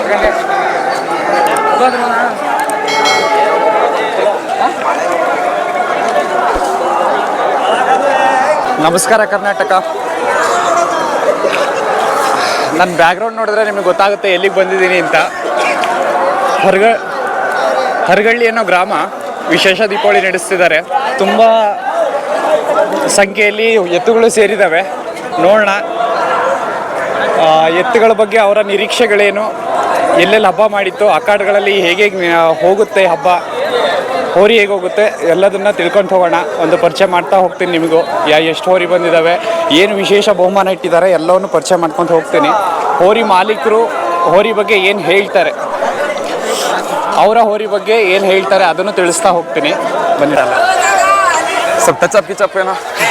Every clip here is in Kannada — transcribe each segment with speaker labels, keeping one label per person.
Speaker 1: ನಮಸ್ಕಾರ ಕರ್ನಾಟಕ. ನನ್ನ ಬ್ಯಾಕ್ಗ್ರೌಂಡ್ ನೋಡಿದ್ರೆ ನಿಮಗೆ ಗೊತ್ತಾಗುತ್ತೆ ಎಲ್ಲಿಗೆ ಬಂದಿದ್ದೀನಿ ಅಂತ. ಹರಗಳ್ಳಿ ಅನ್ನೋ ಗ್ರಾಮ ವಿಶೇಷ ದೀಪಾವಳಿ ನಡೆಸ್ತಿದ್ದಾರೆ. ತುಂಬ ಸಂಖ್ಯೆಯಲ್ಲಿ ಎತ್ತುಗಳು ಸೇರಿದ್ದಾವೆ. ನೋಡೋಣ ಎತ್ತುಗಳ ಬಗ್ಗೆ ಅವರ ನಿರೀಕ್ಷೆಗಳೇನು, ಎಲ್ಲೆಲ್ಲಿ ಹಬ್ಬ ಮಾಡಿತ್ತು, ಅಖಾಡಗಳಲ್ಲಿ ಹೇಗೆ ಹೋಗುತ್ತೆ ಹಬ್ಬ, ಹೋರಿ ಹೇಗೆ ಹೋಗುತ್ತೆ ಎಲ್ಲದನ್ನು ತಿಳ್ಕೊಂಡು ಹೋಗೋಣ. ಒಂದು ಪರಿಚಯ ಮಾಡ್ತಾ ಹೋಗ್ತೀನಿ ನಿಮಗೂ. ಎಷ್ಟು ಹೋರಿ ಬಂದಿದ್ದಾವೆ, ಏನು ವಿಶೇಷ ಬಹುಮಾನ ಇಟ್ಟಿದ್ದಾರೆ ಎಲ್ಲವನ್ನು ಪರಿಚಯ ಮಾಡ್ಕೊಂಡು ಹೋಗ್ತೀನಿ. ಹೋರಿ ಮಾಲೀಕರು ಹೋರಿ ಬಗ್ಗೆ ಏನು ಹೇಳ್ತಾರೆ, ಅವರ ಹೋರಿ ಬಗ್ಗೆ ಏನು ಹೇಳ್ತಾರೆ ಅದನ್ನು ತಿಳಿಸ್ತಾ ಹೋಗ್ತೀನಿ. ಬಂದಿರಲ್ಲ
Speaker 2: ಸ್ವಲ್ಪ ಟಚ್ ಕಿಚಪ್ ಏನೋ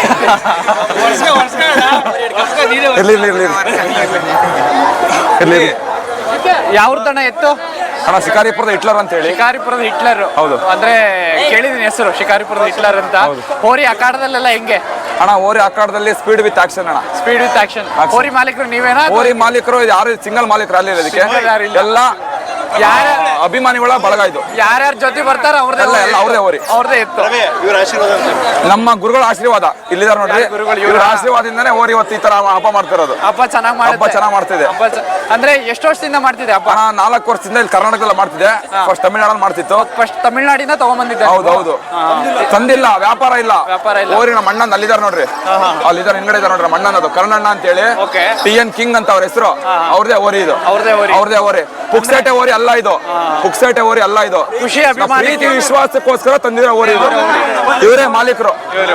Speaker 2: ಇರ್ಲಿ.
Speaker 1: ಯಾವ್ದಣ್ಣ ಎತ್ತು?
Speaker 2: ಅಣ್ಣ ಶಿಕಾರಿಪುರದ ಹಿಟ್ಲರ್ ಅಂತ ಹೇಳಿ.
Speaker 1: ಶಿಕಾರಿಪುರದ ಹಿಟ್ಲರ್?
Speaker 2: ಹೌದು.
Speaker 1: ಅಂದ್ರೆ ಕೇಳಿದೀನಿ ಹೆಸರು, ಶಿಕಾರಿಪುರದ ಹಿಟ್ಲರ್ ಅಂತ. ಹೋರಿ ಅಖಾಡದಲ್ಲೆಲ್ಲ ಹೆಂಗೆ
Speaker 2: ಅಣ್ಣ? ಹೋರಿ ಅಖಾಡದಲ್ಲಿ ಸ್ಪೀಡ್ ವಿತ್ ಆಕ್ಷನ್ ಅಣ್ಣ.
Speaker 1: Speed with action. ಹೋರಿ ಮಾಲೀಕರು ನೀವೇನಾ?
Speaker 2: ಹೋರಿ ಮಾಲೀಕರು ಯಾರು ಸಿಂಗಲ್ ಮಾಲೀಕರು ಅಲ್ಲಿ ಇದಕ್ಕೆ ಎಲ್ಲ ಯಾರ ಅಭಿಮಾನಿಗಳ ಬಳಗ ಇದು.
Speaker 1: ಯಾರ್ಯಾರ ಜೊತೆ ಬರ್ತಾರ
Speaker 2: ಅವ್ರದೇ ಹೋರಿ,
Speaker 1: ಅವ್ರದೇ ಎತ್ತು.
Speaker 2: ನಮ್ಮ ಗುರುಗಳ ಆಶೀರ್ವಾದ ಇಲ್ಲಿದ್ದಾರೆ ನೋಡ್ರಿ. ಇವ್ರ ಆಶೀರ್ವಾದದಿಂದಾನೇ ಹೋರಿ ಇವತ್ತು ಈ ತರ ಹಬ್ಬ ಮಾಡ್ತಿರೋದು.
Speaker 1: ಹಬ್ಬ ಚೆನ್ನಾಗಿ ಮಾಡ್ತಿದೆ. ಅಂದ್ರೆ ಎಷ್ಟು ವರ್ಷದಿಂದ ಮಾಡ್ತಿದೆ ಹಬ್ಬ?
Speaker 2: 4 ವರ್ಷದಿಂದ ಇಲ್ಲಿ ಕರ್ನಾಟಕದಲ್ಲಿ ಮಾಡ್ತಿದೆ. ಫಸ್ಟ್ ತಮಿಳ್ನಾಡಲ್ಲಿ ಮಾಡ್ತಿತ್ತು.
Speaker 1: ಫಸ್ಟ್ ತಮಿಳ್ನಾಡಿಂದ ತಗೊಂಡ್ಬಂದಿದ್ದೆ.
Speaker 2: ಹೌದು. ತಂದಿಲ್ಲ, ವ್ಯಾಪಾರ ಇಲ್ಲ. ಹೋರಿ ನಮ್ಮ ಅಣ್ಣಂದ್ ಅಲ್ಲಿದ್ದಾರೆ ನೋಡ್ರಿ, ಅಲ್ಲಿದ್ದಾರೆ ಹಿಂಗಡೆ ಇದ್ದಾರೆ ನೋಡ್ರಿ. ಮಣ್ಣನದು ಕರ್ಣಣ್ಣ ಅಂತ ಹೇಳಿ, TN ಕಿಂಗ್ ಅಂತ ಅವ್ರ ಹೆಸರು. ಅವ್ರದೇ ಹೋರಿ ಇದು, ಅವ್ರದೇ ಹೋರಿ. ಪುಕ್ಸೇಟೆ ಹೋರಿ ಅಲ್ಲ ಇದು, ಪುಕ್ಸೇಟೆ ಹೋರಿ ಅಲ್ಲ ಇದು.
Speaker 1: ಖುಷಿ
Speaker 2: ಪ್ರೀತಿ ವಿಶ್ವಾಸಕ್ಕೋಸ್ಕರ ತಂದಿರೋ ಹೋರಿ ಇದು. ಇವರೇ ಮಾಲೀಕರು.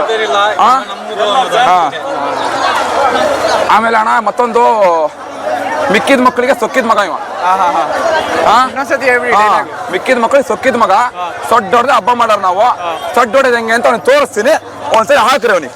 Speaker 2: ಆಮೇಲೆ ಅಣ್ಣ ಮತ್ತೊಂದು, ಮಿಕ್ಕಿದ ಮಕ್ಕಳಿಗೆ ಸೊಕ್ಕಿದ ಮಗ ಇವ. ಮಿಕ್ಕಿದ ಮಕ್ಕಳಿಗೆ ಸೊಕ್ಕಿದ ಮಗ. ಸೊಡ್ಡ ಹೊಡೆದ ಹಬ್ಬ ಮಾಡಾರ ನಾವು. ಸೊಡ್ಡ ಹೊಡೆದ ಹೆಂಗೆ ಅಂತ ಅವ್ನಿಗೆ ತೋರಿಸ್ತೀನಿ, ಒಂದ್ಸರಿ ಹಾಕ್ರಿ ಅವನಿಗೆ.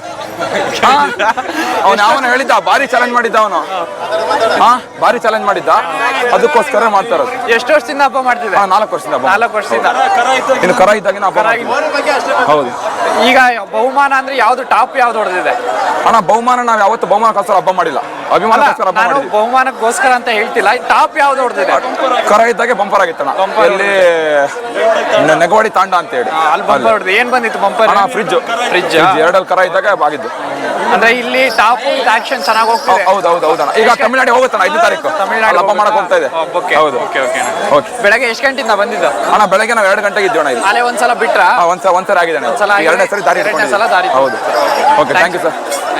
Speaker 2: ಅವನು ಹೇಳಿದ್ದ, ಭಾರಿ ಚಾಲೆಂಜ್ ಮಾಡಿದ್ದ ಅವನು. ಭಾರಿ ಚಾಲೆಂಜ್ ಮಾಡಿದ್ದ, ಅದಕ್ಕೋಸ್ಕರ ಮಾಡ್ತಾ ಇರೋದು.
Speaker 1: ಎಷ್ಟು ವರ್ಷದಿಂದ ಹಬ್ಬ ಮಾಡ್ತಿದ್ದೆ?
Speaker 2: 4 ವರ್ಷದಿಂದ.
Speaker 1: 4 ವರ್ಷದಿಂದ
Speaker 2: ಇನ್ನು ಕರ ಇದ್ದಾಗಿನ ಹಬ್ಬ. ಹೌದು.
Speaker 1: ಈಗ ಬಹುಮಾನ ಅಂದ್ರೆ ಯಾವ್ದು ಟಾಪ್ ಯಾವ್ದು ಹೊಡೆದಿದೆ
Speaker 2: ಅಣ್ಣ? ಬಹುಮಾನ ನಾವ್ ಯಾವತ್ತು ಬಹುಮಾನಕ್ಕೋಸ್ಕರ ಹಬ್ಬ ಮಾಡಿಲ್ಲ, ಅಭಿಮಾನಕ್ಕೋಸ್ಕರ ಹಬ್ಬ ಮಾಡಿದ್ವಿ.
Speaker 1: ಬಹುಮಾನಕ್ಕೋಸ್ಕರ ಅಂತ ಹೇಳ್ತಿಲ್ಲ, ಟಾಪ್ ಯಾವ್ದು ಹೊಡೆದಿದೆ?
Speaker 2: ಕರ ಇದ್ದಾಗೆ ಬಂಪರ್ ಆಗಿತ್ತಣ್ಣ. ಇಲ್ಲಿ ನೆಗವಾಡಿ ತಾಂಡ ಅಂತ ಹೇಳಿ
Speaker 1: ಅಲ್ಲಿ ಬಂಪರ್ ಹೊಡೆದು. ಏನ್ ಬಂದಿತ್ತು ಬಂಪರ್?
Speaker 2: ಫ್ರಿಜ್ 2 ಕರ ಇದ್ದಾಗ ಆಗಿದ್ದು.
Speaker 1: ಅಂದ್ರೆ ಇಲ್ಲಿ ಟಾಪ್ ಆಕ್ಷನ್ ಚೆನ್ನಾಗಿ ಹೋಗ್ತದೆ.
Speaker 2: ಹೌದಣ್ಣ. ಈಗ ತಮಿಳ್ನಾಡಿಗೆ ಹೋಗುತ್ತಣ್ಣ 5ನೇ ತಾರೀಕು ತಮಿಳ್ನಾಡು ಹಬ್ಬ ಮಾಡಕ್ ಹೋಗ್ತಾ ಇದೆ. ಹೌದು.
Speaker 1: ಬೆಳಗ್ಗೆ ಎಷ್ಟು ಗಂಟೆಯಿಂದ ಬಂದಿದ್ದು?
Speaker 2: ಅಣ್ಣ ಬೆಳಗ್ಗೆ ನಾವು 2 ಗಂಟೆಗೆ ಇದ್ದೀವಿ ಅಣ್ಣ.
Speaker 1: ಅಲ್ಲೇ ಒಂದ್ಸಲ ಬಿಟ್ರ?
Speaker 2: ಒಂದ್ಸರಿ ಆಗಿದೆ. 2ನೇ ಸರಿ ದಾರಿ. ಹೌದು. Okay, thank you sir.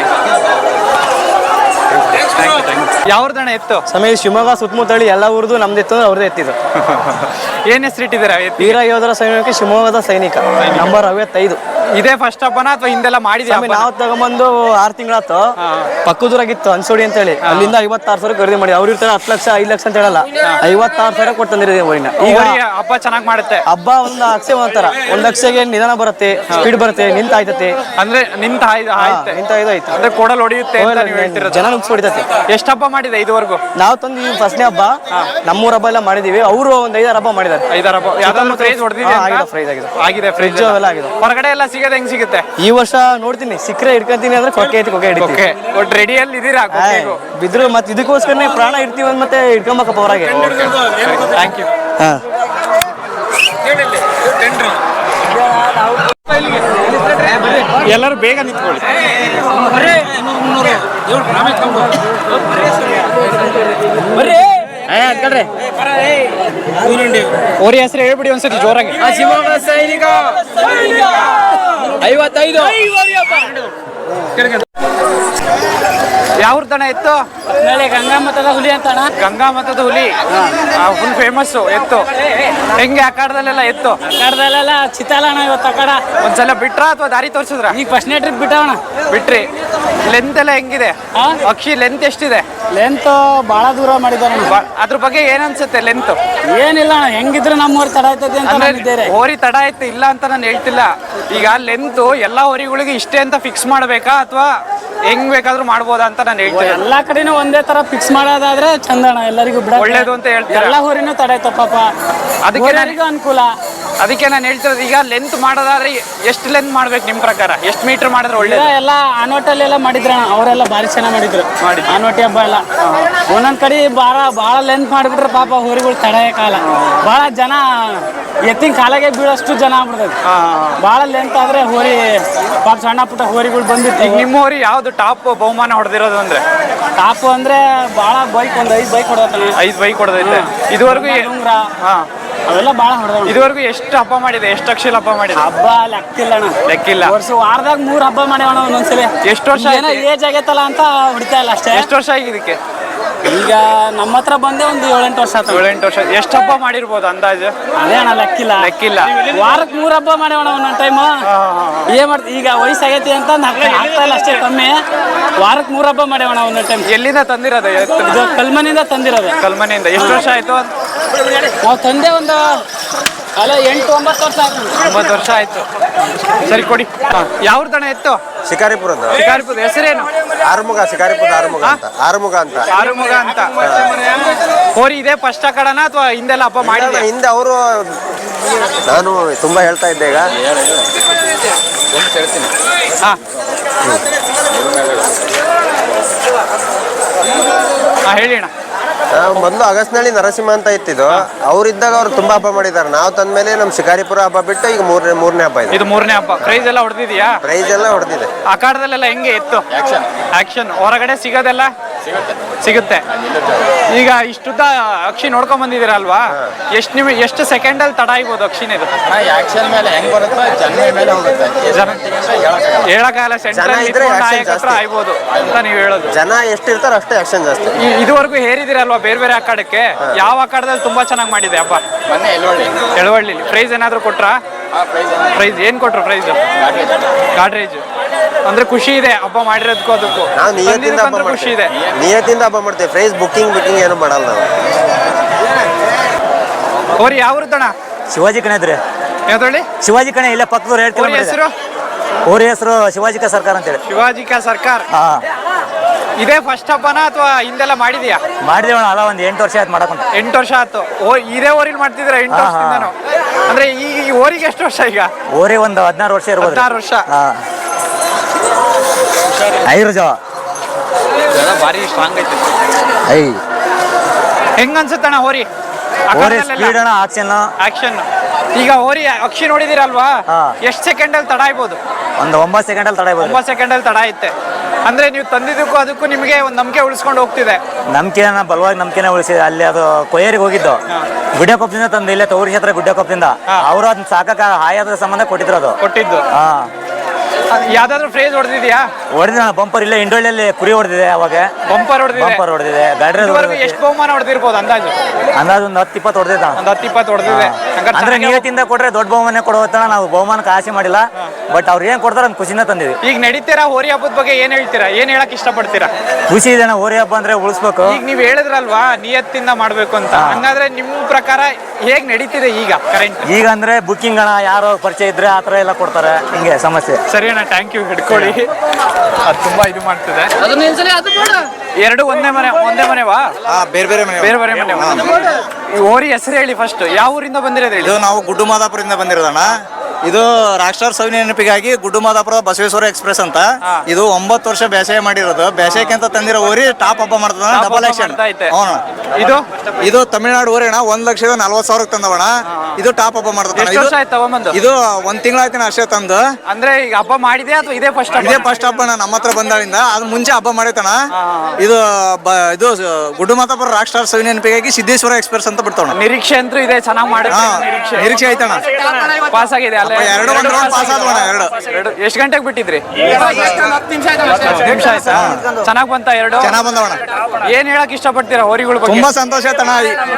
Speaker 1: ಯಾವ್ದಣ್ಣ ಎತ್ತು?
Speaker 3: ಸಮಯ ಶಿವಮೊಗ್ಗ ಸುತ್ತಮುತ್ತಳಿ ಎಲ್ಲ ಊರ್ದು ನಮ್ದು ಎತ್ತು, ಅವ್ರದ್ದು ಎತ್ತಿದ್ದು.
Speaker 1: ಏನ್ ಹೆಸರು ಇಟ್ಟಿದ್ದೀರಾ?
Speaker 3: ವೀರ ಯೋಧರ ಸೈನಿಕ, ಶಿವಮೊಗ್ಗದ ಸೈನಿಕ, ನಂಬರ್ 55.
Speaker 1: ಇದೇ ಫಸ್ಟ್ ಹಬ್ಬನ ಅಥವಾ ಹಿಂದೆಲ್ಲ ಮಾಡಿದ್ಯಾ?
Speaker 3: ನಾವು ತಗೊಂಬಂದು 6 ತಿಂಗಳಾತು. ಪಕ್ಕದೂರಾಗಿತ್ತು ಅನ್ಸೋಡಿ ಅಂತ ಹೇಳಿ, ಅಲ್ಲಿಂದ 56,000 ಖರೀದಿ ಮಾಡಿ. ಅವ್ರು ಇರ್ತಾರೆ 10 ಲಕ್ಷ 5 ಲಕ್ಷ ಅಂತ ಹೇಳಲ್ಲ, 56,000 ಕೊಟ್ಟು ತಂದಿರೋದು ಊರಿನ.
Speaker 1: ಈಗ ಹಬ್ಬ ಚೆನ್ನಾಗಿ ಮಾಡುತ್ತೆ.
Speaker 3: ಹಬ್ಬ ಒಂದು ಅಕ್ಷಯ ಒಂಥರ, 1 ಲಕ್ಷಗೆ ನಿಧಾನ ಬರುತ್ತೆ, ಸ್ಪೀಡ್ ಬರುತ್ತೆ, ನಿಂತಾಯ್ತತೆ.
Speaker 1: ಅಂದ್ರೆ ನಿಂತ
Speaker 3: ಆಯ್ತು
Speaker 1: ಅಂದ್ರೆ ಕೊಡಲ್ ಹೊಡಿಯುತ್ತೆ ಅಂತ ನೀವು ಹೇಳ್ತಿರೋದು.
Speaker 3: ಜನ ನುಗ್ಸ್ ಹೊಡಿತತೆ.
Speaker 1: ಎಷ್ಟು ಹಬ್ಬ ಮಾಡಿದೆ ಇದುವರೆಗೂ?
Speaker 3: ನಾವು ತಂದು ಈ ಫಸ್ಟ್ನೇ ಹಬ್ಬ, ನಮ್ಮೂರ ಹಬ್ಬ ಎಲ್ಲ ಮಾಡಿದೀವಿ. ಅವರು ಒಂದು 5-6 ಹಬ್ಬ ಮಾಡಿದ್ದಾರೆ.
Speaker 1: 5-6 ಹಬ್ಬ. ಯಾವ್ದಾದ್ರು ಪ್ರೈಸ್ ಹೊಡೆದಿದೆ?
Speaker 3: ಆಗಿದೆ. ಫ್ರಿಜ್ ಎಲ್ಲ ಆಗಿದೆ.
Speaker 1: ಹೊರಗಡೆ ಎಲ್ಲ ಸಿಗೋದು ಹೆಂಗ್ ಸಿಗುತ್ತೆ?
Speaker 3: ಈ ವರ್ಷ ನೋಡ್ತೀನಿ, ಸಿಕ್ಕರೆ ಹಿಡ್ಕೊಂತೀನಿ ಅಂದ್ರೆ ಕೊಕ್ಕೆ ಹಿಡಿತೀನಿ.
Speaker 1: ಒಟ್ಟು ರೆಡಿಯಲ್ಲಿ ಇದೀರಾ?
Speaker 3: ಬಿದ್ರು ಮತ್ತೆ ಇದಕ್ಕೋಸ್ಕರನೇ ಪ್ರಾಣ ಇಡ್ತೀವಿ ಅಂತ ಮತ್ತೆ ಹಿಡ್ಕೊಂಬೇಕಪ್ಪ ಹೊರಗೆ.
Speaker 1: Thank you. ಎಲ್ಲರೂ ಬೇಗ ನಿಂತ್ಕೊಳ್ಳಿ. ಓರಿ ಹೆಸರು ಹೇಳ್ಬಿಡಿ ಒಂದ್ಸತಿ ಜೋರಾಗಿ.
Speaker 4: ಶಿವಮೊಗ್ಗ ಸೈನಿಕ 55.
Speaker 1: ಯಾವ್ದಣ್ಣ ಎತ್ತು?
Speaker 4: ಗಂಗಾ ಮತದ ಹುಲಿ ಅಂತ.
Speaker 1: ಗಂಗಾ ಮತದ ಹುಲಿ ಫುಲ್ ಫೇಮಸ್ ಎತ್ತು. ಹೆಂಗೆ ಅಖಾಡದಲ್ಲೆಲ್ಲ ಎತ್ತು?
Speaker 4: ಅಖಾಡದಲ್ಲೆಲ್ಲ ಚಿತ್ತಾಲಣ್ಣ ಇವತ್ತು ಅಖಾಡ.
Speaker 1: ಒಂದ್ಸಲ ಬಿಟ್ರ ಅಥವಾ ದಾರಿ ತೋರಿಸಿದ್ರ?
Speaker 4: ಈಗ ಫಸ್ಟ್ನೇ ಟ್ರಿಪ್ ಬಿಟ್ಟವಣ.
Speaker 1: ಬಿಟ್ರಿ? ಲೆಂತ್ ಎಲ್ಲ ಹೆಂಗಿದೆ? ಅಕ್ಷಿ ಲೆಂತ್ ಎಷ್ಟಿದೆ?
Speaker 4: ಲೆಂತ್ ಬಹಳ ದೂರ ಮಾಡಿದಾರೆ.
Speaker 1: ಅದ್ರ ಬಗ್ಗೆ ಏನ್ ಅನ್ಸುತ್ತೆ ಲೆಂತ್?
Speaker 4: ಏನಿಲ್ಲ ಅಣ್ಣ, ಹೆಂಗಿದ್ರೆ ನಮ್ಮ ಊರು ತಡ ಆಯ್ತದೆ ಅಂತ.
Speaker 1: ಹೋರಿ ತಡ ಆಯ್ತು ಇಲ್ಲ ಅಂತ ನಾನು ಹೇಳ್ತಿಲ್ಲ. ಈಗ ಲೆಂತ್ ಎಲ್ಲಾ ಹೋರಿಗಳಿಗೆ ಇಷ್ಟೇ ಅಂತ ಫಿಕ್ಸ್ ಮಾಡ್ಬೇಕಾ ಅಥವಾ ಹೆಂಗ್ ಬೇಕಾದ್ರೂ ಮಾಡ್ಬೋದಾ ಅಂತ ನಾನು ಹೇಳ್ತೀನಿ.
Speaker 4: ಎಲ್ಲಾ ಕಡೆನೂ ಒಂದೇ ತರ ಫಿಕ್ಸ್ ಮಾಡೋದಾದ್ರೆ ಚಂದಣ, ಎಲ್ಲರಿಗೂ ಬಿಡ
Speaker 1: ಒಳ್ಳೇದು ಅಂತ ಹೇಳ್ತಾರೆ.
Speaker 4: ಎಲ್ಲಾ ಊರಿನೂ ತಡ ಆಯ್ತು ಪಾಪ, ಅದಕ್ಕೆ ಎಲ್ಲರಿಗೂ ಅನುಕೂಲ.
Speaker 1: ಅದಕ್ಕೆ ನಾನು ಹೇಳ್ತಿರೋದು, ಈಗ ಲೆಂತ್ ಮಾಡೋದಾದ್ರೆ ಎಷ್ಟು ಲೆಂತ್ ಮಾಡ್ಬೇಕು ನಿಮ್ ಪ್ರಕಾರ? ಎಷ್ಟು ಮೀಟರ್ ಮಾಡಿದ್ರೆ ಒಳ್ಳೆ?
Speaker 4: ಎಲ್ಲ ಆನೋಟಲ್ಲೆಲ್ಲ ಮಾಡಿದ್ರಣ, ಅವರೆಲ್ಲ ಭಾರಿ ಚೆನ್ನಾಗಿ ಮಾಡಿದ್ರು. ಆನೋಟಿ ಹಬ್ಬ ಎಲ್ಲ ಒಂದೊಂದ್ ಕಡೆ ಭಾಳ ಲೆಂತ್ ಮಾಡಿಬಿಟ್ರೆ ಪಾಪ ಹೋರಿಗಳು ತಡೆಯಕ್ಕಾಗಲ್ಲ. ಭಾಳ ಜನ ಎತ್ತಿನ ಕಾಲಾಗೆ ಬೀಳೋಷ್ಟು ಜನ ಆಗ್ಬಿಡ್ತದೆ. ಭಾಳ ಲೆಂತ್ ಆದ್ರೆ ಹೋರಿ ಪಾಪ ಸಣ್ಣ ಪುಟ್ಟ ಹೋರಿಗಳು ಬಂದಿತ್ತು.
Speaker 1: ಈಗ ನಿಮ್ಮ ಹೋರಿ ಯಾವ್ದು ಟಾಪ್ ಬಹುಮಾನ ಹೊಡೆದಿರೋದು ಅಂದ್ರೆ?
Speaker 4: ಟಾಪ್ ಅಂದ್ರೆ ಭಾಳ ಬೈಕ್, ಒಂದು 5 ಬೈಕ್ ಹೊಡೆದಾನೆ.
Speaker 1: 5 ಬೈಕ್ ಹೊಡೆದೈತೆ ಇದುವರೆಗೂ.
Speaker 4: ಉಂಗ್ರ ಅವೆಲ್ಲ ಭಾಳ ಹೊಡೆದ.
Speaker 1: ಇದುವರೆಗೂ ಎಷ್ಟು ಹಬ್ಬ ಮಾಡಿದೆ? ಎಷ್ಟು ಅಕ್ಷರ ಹಬ್ಬ ಮಾಡಿದೆ?
Speaker 4: ಹಬ್ಬ ಲೆಕ್ಕಿಲ್ಲ ಅಣ್ಣ,
Speaker 1: ಲೆಕ್ಕಿಲ್ಲ.
Speaker 4: ವಾರದಾಗ 3 ಹಬ್ಬ ಮಾಡ್ಯಾವಣ ಒಂದೊಂದ್ಸಲಿ.
Speaker 1: ಎಷ್ಟು ವರ್ಷ
Speaker 4: ಏನೋ ಏಜ್ ಆಗೈತಲ್ಲ ಅಂತ ಹೊಡಿತಾ ಇಲ್ಲ ಅಷ್ಟೇ.
Speaker 1: ಎಷ್ಟು ವರ್ಷ ಆಗಿದೆ ಇದಕ್ಕೆ?
Speaker 4: ಈಗ ನಮ್ಮ ಹತ್ರ ಬಂದೆ ಒಂದು 7-8 ವರ್ಷ ಆಯ್ತು.
Speaker 1: 7-8 ವರ್ಷ. ಎಷ್ಟು ಹಬ್ಬ ಮಾಡಿರ್ಬೋದು ಅಂದಾಜು?
Speaker 4: ಅದೇ ಅಣ್ಣ ಲೆಕ್ಕಿಲ್ಲ. ವಾರಕ್ಕೆ 3 ಹಬ್ಬ ಮಾಡ್ಯಾವಣ ಒಂದೊಂದು ಟೈಮ್. ಏನ್ ಮಾಡ್ತೀವಿ ಈಗ, ವಯಸ್ಸಾಗೈತಿ ಅಂತ ಆಗ್ತಾ ಇಲ್ಲ ಅಷ್ಟೇ, ಕಮ್ಮಿ. ವಾರಕ್ಕೆ 3 ಹಬ್ಬ ಮಾಡ್ಯಾವಣ ಒಂದೊಂದು ಟೈಮ್.
Speaker 1: ಎಲ್ಲಿಂದ ತಂದಿರೋದು?
Speaker 4: ಇದು ಕಲ್ಮನಿಂದ ತಂದಿರೋದು.
Speaker 1: ಕಲ್ಮನೆಯಿಂದ. ಎಷ್ಟು ವರ್ಷ ಆಯ್ತು?
Speaker 4: ನಾವು ತಂದೆ ಒಂದು 8-9 ವರ್ಷ ಆಯ್ತು.
Speaker 1: 9 ವರ್ಷ ಆಯ್ತು. ಸರಿ ಕೊಡಿ. ಯಾವ ದಣ ಎತ್ತು?
Speaker 5: ಶಿಕಾರಿಪುರದ.
Speaker 1: ಶಿಕಾರಿಪುರದ ಹೆಸರೇನು?
Speaker 5: ಆರುಮುಗ. ಶಿಕಾರಿಪುರದ ಆರುಮುಗ ಅಂತ. ಆರುಮುಗ ಅಂತ.
Speaker 1: ಆರುಮುಗ ಅಂತ. ಹೋರಿ ಇದೆ ಫಸ್ಟ್ ಕಡನ ಅಥವಾ ಹಿಂದೆಲ್ಲ ಹಬ್ಬ ಮಾಡಿದೆ?
Speaker 5: ಹಿಂದೆ ಅವರು, ನಾನು ತುಂಬಾ ಹೇಳ್ತಾ ಇದ್ದೆ ಈಗ.
Speaker 1: ಹೇಳಿ ಅಣ್ಣ.
Speaker 5: ಮೊದಲು ಅಗಸ್ನಳ್ಳಿ ನರಸಿಂಹ ಅಂತ ಇತ್ತಿದ್ದು, ಅವ್ರಿದ್ದಾಗ ಅವ್ರು ತುಂಬಾ ಹಬ್ಬ ಮಾಡಿದ್ದಾರೆ. ನಾವು ತಂದ್ಮೇಲೆ ನಮ್ಮ ಶಿಕಾರಿಪುರ ಹಬ್ಬ ಬಿಟ್ಟು ಈಗ ಮೂರನೇ ಹಬ್ಬ ಇದೆ.
Speaker 1: ಇದು 3ನೇ ಹಬ್ಬ. ಪ್ರೈಸ್ ಎಲ್ಲ ಹೊಡೆದಿದ್ಯಾ?
Speaker 5: ಪ್ರೈಸ್ ಎಲ್ಲ ಹೊಡೆದಿದೆ.
Speaker 1: ಅಖಾಡದಲ್ಲೆಲ್ಲ ಹೆಂಗೆ ಎತ್ತು? ಆಕ್ಷನ್ ಹೊರಗಡೆ ಸಿಗೋದೆಲ್ಲ ಸಿಗುತ್ತೆ. ಈಗ ಇಷ್ಟುದ್ದ ಅಕ್ಷಿ ನೋಡ್ಕೊಂಡ್ ಬಂದಿದ್ದೀರಲ್ವಾ, ಎಷ್ಟು ಸೆಕೆಂಡಲ್ಲಿ ತಡ ಆಗ್ಬೋದು ಅಕ್ಷಿನೇದು?
Speaker 6: ಆಕ್ಷನ್ ಮೇಲೆ ಹೆಂಗ್ ಬರುತ್ತೆ, ಜನ ಮೇಲೆ ಹೋಗುತ್ತೆ.
Speaker 1: ಹೇಳಕಾಲ ಸೆಂಟ್ರಲ್ ಆಗ್ಬೋದು ಅಂತ ನೀವು ಹೇಳೋದು.
Speaker 5: ಜನ ಎಷ್ಟಿರ್ತಾರೋ ಅಷ್ಟೇ ಆಕ್ಷನ್ ಜಾಸ್ತಿ.
Speaker 1: ಇದುವರೆಗೂ ಹೇರಿದಿರಲ್ವಾ ಬೇರೆ ಬೇರೆ ಅಖಾಡಕ್ಕೆ? ಯಾವ ಅಖಾಡದಲ್ಲಿ ತುಂಬಾ ಚೆನ್ನಾಗಿ ಮಾಡಿದೆ ಹಬ್ಬ?
Speaker 6: ಮೊನ್ನೆ
Speaker 1: ಎಳವಳ್ಳಿ. ಪ್ರೈಸ್ ಏನಾದ್ರು ಕೊಟ್ರಾ? ಪ್ರೈಸ್ ಏನ್ ಕೊಟ್ರು? ಪ್ರೈಸ್ ಗಾಡ್ರೇಜ್. ಅಂದ್ರೆ ಖುಷಿ ಇದೆ ಹಬ್ಬ ಮಾಡಿರೋದಕ್ಕೂ ಅದಕ್ಕೂ.
Speaker 5: ನಾವು ನಿಯತ್ತಿಂದ ಹಬ್ಬ
Speaker 1: ಖುಷಿ ಇದೆ.
Speaker 5: ನಿಯತ್ತಿಂದ ಹಬ್ಬ ಮಾಡ್ತೇವೆ. ಪ್ರೈಸ್ ಬುಕ್ಕಿಂಗ್ ಏನು ಮಾಡಲ್ಲ ನಾವು.
Speaker 1: ಅವ್ರು ಯಾವ್ದಣ್ಣ?
Speaker 3: ಶಿವಾಜಿ ಕಣೆ ಇದ್ರಿ.
Speaker 1: ಯಾವ್ದಳ್ಳಿ?
Speaker 3: ಶಿವಾಜಿ ಕಣೆ ಇಲ್ಲ ಪಕ್ಕದವ್ರು ಹೇಳ್ತೀವಿ.
Speaker 1: ಹೆಸರು?
Speaker 3: ಅವ್ರ ಹೆಸರು ಶಿವಾಜಿ ಕಾ ಸರ್ಕಾರ ಅಂತೇಳಿ.
Speaker 1: ಶಿವಾಜಿ ಕಾ ಸರ್ಕಾರ. ಇದೇ ಫಸ್ಟ್ ಹಬ್ಬನ ಅಥವಾ ಹಿಂದೆಲ್ಲ ಮಾಡಿದ್ಯಾ?
Speaker 3: ಮಾಡಿದೇವಣ, ಅಲ್ಲ ಒಂದು 8 ವರ್ಷ ಆಯ್ತು ಮಾಡಕ್ಕಂತ.
Speaker 1: 8 ವರ್ಷ ಆಯ್ತು. ಇದೇ ಊರಿಲ್ ಮಾಡ್ತಿದ್ರ 8 ವರ್ಷದಿಂದನು? ಅಂದ್ರೆ ಈ ಊರಿಗೆ ಎಷ್ಟು ವರ್ಷ ಈಗ?
Speaker 3: ಓರಿ ಒಂದು 16 ವರ್ಷ ಇರ್ಬೋದು.
Speaker 1: 16 ವರ್ಷ. ಭಾರಿ ಸ್ಟ್ರಾಂಗ್ ಐತೆ. ಹೆಂಗ ಅನ್ಸುತ್ತಣ್ಣ ಹೋರಿ?
Speaker 3: ಸ್ಪೀಡ್ ಅಣ್ಣ,
Speaker 1: ಆಕ್ಷನ್. ಈಗ ಹೋರಿ ಅಕ್ಷಿ ನೋಡಿದಿರಲ್ವಾ, ಎಷ್ಟು ಸೆಕೆಂಡ್ ಅಲ್ಲಿ ತಡ ಆಗ್ಬೋದು?
Speaker 3: ಒಂದು 9 ಸೆಕೆಂಡಲ್ಲಿ ತಡ ಆಗ್ಬೋದು.
Speaker 1: 9 ಸೆಕೆಂಡಲ್ಲಿ ತಡ ಐತೆ. ಅಂದ್ರೆ ನೀವು ತಂದಿದ್ದಕ್ಕೂ ಅದಕ್ಕೂ ನಿಮಗೆ ಒಂದು ನಂಬಿಕೆ ಉಳಿಸ್ಕೊಂಡು ಹೋಗ್ತಿದೆ.
Speaker 3: ನಂಬಿಕೆನ ಬಲವಾಗಿ ನಂಬಿಕೆನ ಉಳಿಸಿದೆ. ಅಲ್ಲಿ ಅದು ಕೊಯ್ಯರಿಗೆ ಹೋಗಿದ್ದು ಗುಡ್ಡಕೊಪ್ಪದಿಂದ ತಂದು, ಇಲ್ಲೇ ತೌರಿ ಕ್ಷೇತ್ರ ಗುಡ್ಡಕೊಪ್ಪದಿಂದ. ಅವರು ಅದನ್ನ ಸಾಕಕ್ಕ ಹಾಯಾದ ಸಂಬಂಧ ಕೊಟ್ಟಿದ್ರು. ಅದು
Speaker 1: ಕೊಟ್ಟಿದ್ದು. ಯಾವ್ದಾದ್ರು ಫ್ರೇಜ್ ಹೊಡೆದಿದ್ಯಾ?
Speaker 3: ಹೊಡೆದ ಬಂಪರ್ ಇಲ್ಲ, ಇಂಡೋಳಿಯಲ್ಲಿ ಕುರಿ ಹೊಡೆದಿದೆ. ಅವಾಗ
Speaker 1: ಬಂಪರ್
Speaker 3: ಹೊಡೆದಿದೆ. ಗಾಡಿ
Speaker 1: ಎಷ್ಟು ಬಹುಮಾನ ಹೊಡೆದಿರ್ಬೋದು ಅಂದಾಜು?
Speaker 3: ಒಂದು 10-20 ಹೊಡೆದಿದ್ದ.
Speaker 1: ಒಂದು 10-20 ಹೊಡೆದಿದೆ.
Speaker 3: ಅಂದ್ರೆ ನಿಯತ್ತಿಂದ ಕೊಟ್ರೆ ದೊಡ್ಡ ಬಹುಮಾನ ಕೊಡುವತ್ತ ನಾವು ಬಹುಮಾನಕ್ಕೆ ಆಸೆ ಮಾಡಿಲ್ಲ. ಬಟ್ ಅವ್ರು ಏನ್ ಕೊಡ್ತಾರ ಅಂತ ಖುಷಿನ ತಂದಿದ್ವಿ.
Speaker 1: ಈಗ ನಡೀತೀರಾ ಹೋರಿ ಹಬ್ಬದ ಬಗ್ಗೆ ಏನ್ ಹೇಳ್ತೀರಾ? ಏನ್ ಹೇಳಕ್ ಇಷ್ಟಪಡ್ತೀರಾ?
Speaker 3: ಖುಷಿ ಇದೆ ಹೋರಿ ಹಬ್ಬ ಅಂದ್ರೆ ಉಳಿಸ್ಬೇಕು.
Speaker 1: ಈಗ ನೀವ್ ಹೇಳಿದ್ರಲ್ವಾ ನಿಯತ್ತಿಂದ ಮಾಡ್ಬೇಕು ಅಂತ, ಹಂಗಾದ್ರೆ ನಿಮ್ ಪ್ರಕಾರ ಹೇಗ್ ನಡೀತಿದೆ ಈಗ ಕರೆಂಟ್?
Speaker 3: ಈಗ ಅಂದ್ರೆ ಬುಕ್ಕಿಂಗ್ ಅಣ್ಣ, ಯಾರೋ ಪರಿಚಯ ಇದ್ರೆ ಆತರ ಎಲ್ಲ ಕೊಡ್ತಾರೆ. ಹಿಂಗೆ ಸಮಸ್ಯೆ.
Speaker 1: ಸರಿ ಅಣ್ಣ, ಥ್ಯಾಂಕ್ ಯು. ಹಿಡ್ಕೊಳ್ಳಿ. ಅದು ತುಂಬಾ ಇದು ಮಾಡ್ತಿದೆ. ಎರಡು ಒಂದೇ ಮನೆವಾ?
Speaker 6: ಬೇರೆ
Speaker 1: ಮನೆ. ಓರಿ ಹೆಸರು ಹೇಳಿ ಫಸ್ಟ್. ಯಾವ ಊರಿಂದ ಬಂದಿರೋದು ಹೇಳಿ?
Speaker 6: ಇದು ನಾವು ಗುಡ್ಡು ಮಾದಾಪುರದಿಂದ ಬಂದಿರೋದಣ್ಣ. ಇದು ರಾಷ್ಟ್ರ ಸವಿನ ನೆನಪಿಗಾಗಿ ಗುಡ್ಡು ಮಾದಾಪುರ ಬಸವೇಶ್ವರ ಎಕ್ಸ್ಪ್ರೆಸ್ ಅಂತ. ಇದು 9 ವರ್ಷ ಬೇಸಾಯ ಮಾಡಿರೋದು. ಬೇಸಾಯಕ್ಕೆ ಅಂತ ತಂದಿರೋ ಊರಿ ಟಾಪ್ ಹಬ್ಬ ಮಾಡ್ತದ. Double action. ಇದು ತಮಿಳ್ನಾಡು ಊರಿ ಅಣ್ಣ. 1,40,000 ತಂದವಣ. ಇದು ಟಾಪ್ ಹಬ್ಬ ಮಾಡ್ತದ. ಇದು 1 ತಿಂಗಳಾಯ್ತು ಅಷ್ಟೇ ತಂದು.
Speaker 1: ಅಂದ್ರೆ ಈಗ ಹಬ್ಬ ಮಾಡಿದೆ ಅಥವಾ ಇದೇ ಫಸ್ಟ್?
Speaker 6: ಇದೇ ಫಸ್ಟ್ ಹಬ್ಬ ನಮ್ಮ ಹತ್ರ ಬಂದಾಳಿಂದ. ಅದು ಮುಂಚೆ ಹಬ್ಬ ಮಾಡೈತಣ. ಇದು ಗುಡ್ಡು ಮಾದಾಪುರ ರಾಷ್ಟ್ರ ಸವಿನ ನೆನಪಿಗಾಗಿ ಸಿದ್ದೇಶ್ವರ ಎಕ್ಸ್ಪ್ರೆಸ್ ಅಂತ ಬಿಡ್ತಾವ.
Speaker 1: ನಿರೀಕ್ಷೆ ಅಂತೂ ಇದೆ, ಚೆನ್ನಾಗಿ ಮಾಡಿ.
Speaker 6: ನಿರೀಕ್ಷೆ ಐತಣ್ಣ.
Speaker 1: ಪಾಸ್ ಆಗಿದೆ.
Speaker 6: ಎರಡು ಪಾಸ್ ಆದ್ವಣ.
Speaker 1: ಎಷ್ಟು ಗಂಟೆಗೆ ಬಿಟ್ಟಿದ್ರಿ? 10 ನಿಮಿಷ ಆಯ್ತಾ? ಚೆನ್ನಾಗ್ ಬಂತ? ಎರಡು
Speaker 6: ಚೆನ್ನಾಗ್ ಬಂದವಣ.
Speaker 1: ಏನ್ ಹೇಳಕ್ ಇಷ್ಟಪಡ್ತೀರಾ ಹೋರಿಗಳ ಬಗ್ಗೆ?
Speaker 6: ತುಂಬಾ ಸಂತೋಷ ಆಯ್ತಣ್ಣ.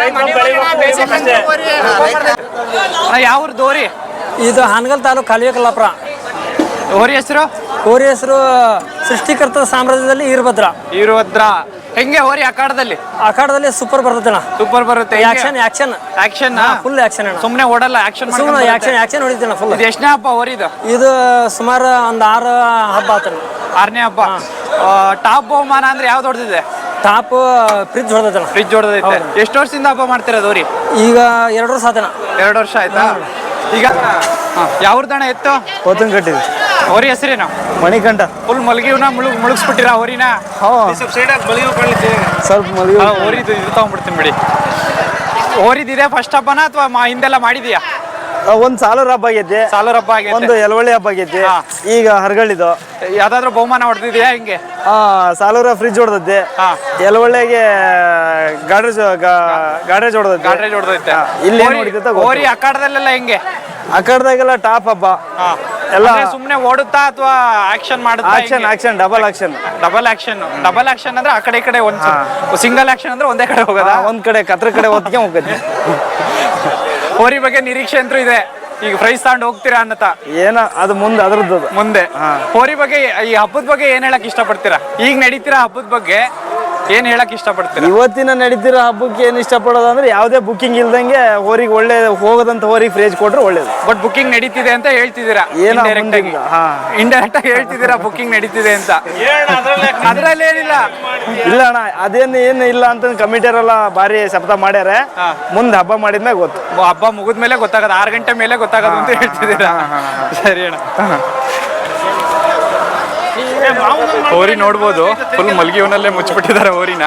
Speaker 1: ಯಾವ್ದು ಹೋರಿ?
Speaker 4: ಇದು ಹಾನಗಲ್ ತಾಲೂಕು ಕಲ್ವಿಕಲ್ಲಾಪುರ.
Speaker 1: ಹೋರಿ ಹೆಸರು?
Speaker 4: ಹೋರಿ ಹೆಸರು ಸೃಷ್ಟಿಕರ್ತ ಸಾಮ್ರಾಜ್ಯದಲ್ಲಿ ಈರಭದ್ರ.
Speaker 1: ಹೆಂಗೆ ಹೋರಿ ಅಖಾಡದಲ್ಲಿ?
Speaker 4: ಅಖಾಡದಲ್ಲಿ ಸೂಪರ್ ಬರ್ತದಣ್ಣ.
Speaker 1: ಸೂಪರ್ ಬರುತ್ತೆ.
Speaker 4: ಆಕ್ಷನ್ ಫುಲ್ ಆಕ್ಷನ್ ಅಣ್ಣ.
Speaker 1: ಸುಮ್ನೆ ಓಡಲ್ಲ, ಆಕ್ಷನ್
Speaker 4: ಆಕ್ಷನ್ ಹೊಡಿತಣ್ಣ ಫುಲ್.
Speaker 1: ಇದು ಎಷ್ಟನೇ ಹಬ್ಬ ಹೋರಿದು?
Speaker 4: ಇದು ಸುಮಾರು ಒಂದು 6 ಹಬ್ಬ ಆತಣ್ಣ.
Speaker 1: 6ನೇ ಹಬ್ಬ. ಟಾಪ್ ಬಹುಮಾನ ಅಂದ್ರೆ ಯಾವ್ದು ಹೊಡೆದಿದೆ?
Speaker 4: ಟಾಪ್ ಫ್ರಿಜ್ ಹೊಡೆದಣ್ಣ.
Speaker 1: ಫ್ರಿಜ್ ಹೊಡೆದೈತೆ. ಎಷ್ಟು ವರ್ಷದಿಂದ ಹಬ್ಬ ಮಾಡ್ತಿರೋದು ಹೋರಿ?
Speaker 4: ಈಗ 2 ವರ್ಷ ಆತಣ್ಣ.
Speaker 1: 2 ವರ್ಷ ಆಯ್ತಾ? ಈಗ ಯಾವ್ದಣ್ಣ ಎತ್ತು
Speaker 3: ಹೋತನ್ ಕಟ್ಟಿದ್ವಿ
Speaker 1: ಹೋರಿ ಹೆಸರೇನು
Speaker 3: ಮಣಿಕಂಠ
Speaker 1: ಫುಲ್ ಮಲಗಿವ್ನ ಮುಳುಗಿಸ್ಬಿಟ್ಟಿರ ಹೋರಿನ
Speaker 3: ಸ್ವಲ್ಪ ಮಲಗಿ
Speaker 1: ಹೋರಿದು ಇದು ತಗೊಂಡ್ಬಿಡ್ತೀನಿ ಬಿಡಿ ಹೋರಿದಿದೆ ಫಸ್ಟ್ ಹಬ್ಬನ ಅಥವಾ ಹಿಂದೆಲ್ಲ ಮಾಡಿದ್ಯಾ
Speaker 3: ಒಂದ್ ಸಾಲೂರ್ ಹಬ್ಬ ಆಗೈತಿ
Speaker 1: ಸಾಲೂರ್ ಹಬ್ಬ ಆಗೈತೆ
Speaker 3: ಒಂದು ಎಲವಳ್ಳಿ ಹಬ್ಬ ಆಗೈತಿ
Speaker 1: ಹಾ.
Speaker 3: ಈಗ ಹರಗಳಿದು
Speaker 1: ಯಾವ್ದಾದ್ರು ಬಹುಮಾನ ಹೊಡೆದಿದ್ಯಾ ಹಿಂಗೆ
Speaker 3: ಸಾಲೂರ ಫ್ರಿಜ್ ಹೊಡೆದದ್ದೆ
Speaker 1: ಹಾ.
Speaker 3: ಎಲವಳ್ಳಿಗೆ ಗಾಡ್ರೇಜ್ ಹೊಡೆದದ್ದೆ
Speaker 1: ಗಾಡ್ರೇಜ್ ಹೊಡೆದೈತೆ
Speaker 3: ಇಲ್ಲಿ ಏನ್ ಹೊಡಿತೈತೆ ಗೊತ್ತಿಲ್ಲ.
Speaker 1: ಹೋರಿ ಅಖಾಡದಲ್ಲೆಲ್ಲ ಹೆಂಗೆ
Speaker 3: ಅಖಾಡದಾಗೆಲ್ಲ ಟಾಪ್ ಹಬ್ಬ
Speaker 1: ಹಾ.
Speaker 3: ಎಲ್ಲ
Speaker 1: ಅಂದ್ರೆ ಸುಮ್ನೆ ಓಡುತ್ತಾ ಅಥವಾ ಆಕ್ಷನ್ ಮಾಡುತ್ತಾ
Speaker 3: action double action
Speaker 1: double action ಅಂದ್ರೆ ಆ ಕಡೆ ಈ ಕಡೆ ಒಂದ್ ಸಿಂಗಲ್ ಆಕ್ಷನ್ ಅಂದ್ರೆ ಒಂದೇ ಕಡೆ ಹೋಗೋದಾ
Speaker 3: ಒಂದ್ ಕಡೆ ಕತ್ರ ಕಡೆ ಹೊತ್ತಿಗೆ ಹೋಗತ್ತೆ
Speaker 1: ಹೋರಿ ಬಗ್ಗೆ ನಿರೀಕ್ಷೆ ಅಂತೂ ಇದೆ ಈಗ ಪ್ರೈಸ್ ತಗೊಂಡು ಹೋಗ್ತೀರಾ ಅನ್ನತಾ
Speaker 3: ಏನ ಅದು ಮುಂದೆ ಅದ್ರದ್ದು
Speaker 1: ಮುಂದೆ ಹೋರಿ ಬಗ್ಗೆ ಈ ಹಬ್ಬದ ಬಗ್ಗೆ ಏನ್ ಹೇಳಕ್ ಇಷ್ಟಪಡ್ತೀರಾ ಈಗ ನಡೀತೀರಾ ಹಬ್ಬದ ಬಗ್ಗೆ ಏನ್ ಹೇಳಕ್ ಇಷ್ಟಪಡ್ತೀರಾ
Speaker 3: ಇವತ್ತಿನ ನಡೀತಿರೋ ಹಬ್ಬಕ್ಕೆ ಏನ್ ಇಷ್ಟಪಡೋದು ಅಂದ್ರೆ ಯಾವುದೇ ಬುಕಿಂಗ್ ಇಲ್ದಂಗೆ ಹೋರಿಗೆ ಒಳ್ಳೆ ಹೋಗೋದಂತ ಹೋರಿಗೆ ಫ್ರೇಜ್ ಕೊಟ್ರೆ ಒಳ್ಳೇದು
Speaker 1: ಬಟ್ ಬುಕಿಂಗ್ ನಡೀತಿದೆ ಅಂತ ಹೇಳ್ತಿದ್ದೀರಾ
Speaker 3: ಏನೋ
Speaker 1: ಇಂಡೈರೆಕ್ಟ್ ಆಗಿ ಇಂಡೈರೆಕ್ಟ್ ಆಗಿ ಹೇಳ್ತಿದ್ದೀರಾ ಬುಕಿಂಗ್ ನಡೀತಿದೆ ಅಂತ ಅದ್ರಲ್ಲಿ ಏನಿಲ್ಲ
Speaker 3: ಇಲ್ಲ ಅಣ್ಣ ಅದೇನು ಏನು ಇಲ್ಲ ಅಂತ ಕಮಿಟಿಯರೆಲ್ಲ ಭಾರಿ ಶಬ್ದ ಮಾಡ್ಯಾರ ಮುಂದೆ ಹಬ್ಬ ಮಾಡಿದ್ಮೇಲೆ ಗೊತ್ತು
Speaker 1: ಹಬ್ಬ ಮುಗಿದ್ಮೇಲೆ ಗೊತ್ತಾಗದು 6 ಗಂಟೆ ಮೇಲೆ ಗೊತ್ತಾಗದು ಅಂತ ಹೇಳ್ತಿದ್ದೀರಾ ಸರಿ ಅಣ್ಣ ಹೋರಿ ನೋಡ್ಬೋದು ಫುಲ್ ಮಲ್ಗಿವನಲ್ಲೇ ಮುಚ್ಚಿಬಿಟ್ಟಿದ್ದಾರೆ ಹೋರಿನ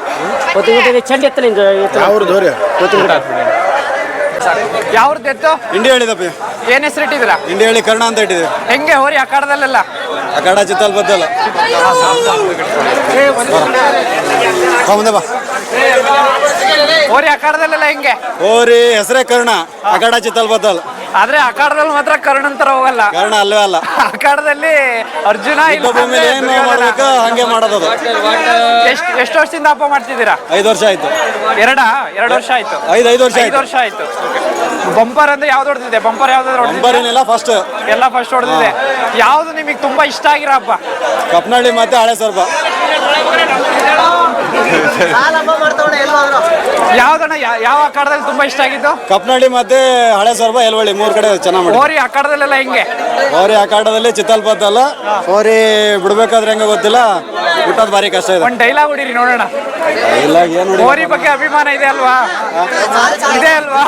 Speaker 1: ಯಾವ್ದು ಎತ್ತು
Speaker 7: ಇಂಡಿಯಾ ಹೇಳಿದಪ್ಪ
Speaker 1: ಏನ್ ಹೆಸರು ಇಟ್ಟಿದ್ದೀರಾ
Speaker 7: ಇಂಡಿಯಾ ಹೇಳಿ ಕರ್ಣ ಅಂತ ಇಟ್ಟಿದೆ
Speaker 1: ಹೆಂಗೆ ಹೋರಿ ಅಖಾಡದಲ್ಲೆಲ್ಲ
Speaker 7: ಅಖಾಡ ಚಿತ್ತಲ್ ಬದ್ದಲ್ಲ ಮುಂದೆ ಬಾ
Speaker 1: ಹೋರಿ ಅಖಾಡದಲ್ಲೆಲ್ಲ ಹೆಂಗೆ
Speaker 7: ಓರಿ ಹೆಸರೇ ಕರ್ಣ ಅಖಾಡ ಚಿತ್ತಲ್ ಬದ್ದಲ್
Speaker 1: ಆದ್ರೆ ಅಖಾಡದಲ್ಲಿ ಮಾತ್ರ ಕರ್ಣಂತರ ಹೋಗಲ್ಲ
Speaker 7: ಕರ್ಣ ಅಲ್ವೇ ಅಲ್ಲ
Speaker 1: ಅಖಾಡದಲ್ಲಿ ಅರ್ಜುನ ಇಲ್ಲ
Speaker 7: ಭೂಮಿಲಿ ಏನು ಮಾಡ್ಬೇಕು ಹಂಗೆ ಮಾಡೋದು ಅದು.
Speaker 1: ಎಷ್ಟು ವರ್ಷದಿಂದ ಹಬ್ಬ ಮಾಡ್ತಿದ್ದೀರಾ
Speaker 7: 5 ವರ್ಷ ಆಯ್ತು
Speaker 1: 2 ವರ್ಷ ಆಯ್ತು
Speaker 7: 5 ವರ್ಷ
Speaker 1: 5
Speaker 7: ಆಯ್ತು
Speaker 1: ವರ್ಷ ಆಯ್ತು ಬಂಪರ್ ಅಂದ್ರೆ ಯಾವ್ದು ಹೊಡೆದಿದೆ ಬಂಪರ್ ಯಾವ್ದಾದ್ರು ಹೊಡೆದಿದೆ
Speaker 7: ನಂಬರಿನೆಲ್ಲ ಫಸ್ಟ್
Speaker 1: ಎಲ್ಲ ಫಸ್ಟ್ ಹೊಡೆದಿದೆ ಯಾವ್ದು ನಿಮಗೆ ತುಂಬಾ ಇಷ್ಟ ಆಗಿರೋ ಹಬ್ಬ
Speaker 7: ಕಪ್ನಳ್ಳಿ ಮತ್ತೆ ಹಳೆ ಸರ್ಬ
Speaker 1: ಯಾವ್ದಣ್ಣ ಯಾವ ಅಖಾಡದಲ್ಲಿ ತುಂಬಾ ಇಷ್ಟ ಆಗಿದ್ದು
Speaker 7: ಕಪ್ನಳ್ಳಿ ಮತ್ತೆ ಹಳೆ ಸರ್ಬ ಎಲ್ವಳ್ಳಿ 3 ಕಡೆ ಚೆನ್ನಾಗಿ ಮಾಡಿ
Speaker 1: ಹೋರಿ ಅಖಾಡದಲ್ಲೆಲ್ಲ ಹೆಂಗೆ
Speaker 7: ಓರಿ ಅಖಾಡದಲ್ಲಿ ಚಿತ್ತಲ್ ಬದ್ದಲ್ಲ ಓರಿ ಬಿಡ್ಬೇಕಾದ್ರೆ ಹೆಂಗ ಗೊತ್ತಿಲ್ಲ ಬಿಟ್ಟೋದು ಭಾರಿ ಕಷ್ಟ ಇದೆ
Speaker 1: ಒಂದ್ ಡೈಲಾಗ್ ಹೊಡೀರಿ ನೋಡೋಣ
Speaker 7: ಇಲ್ಲ ಏನು
Speaker 1: ಹೋರಿ ಬಗ್ಗೆ ಅಭಿಮಾನ ಇದೆ ಅಲ್ವಾ ಇದೆ ಅಲ್ವಾ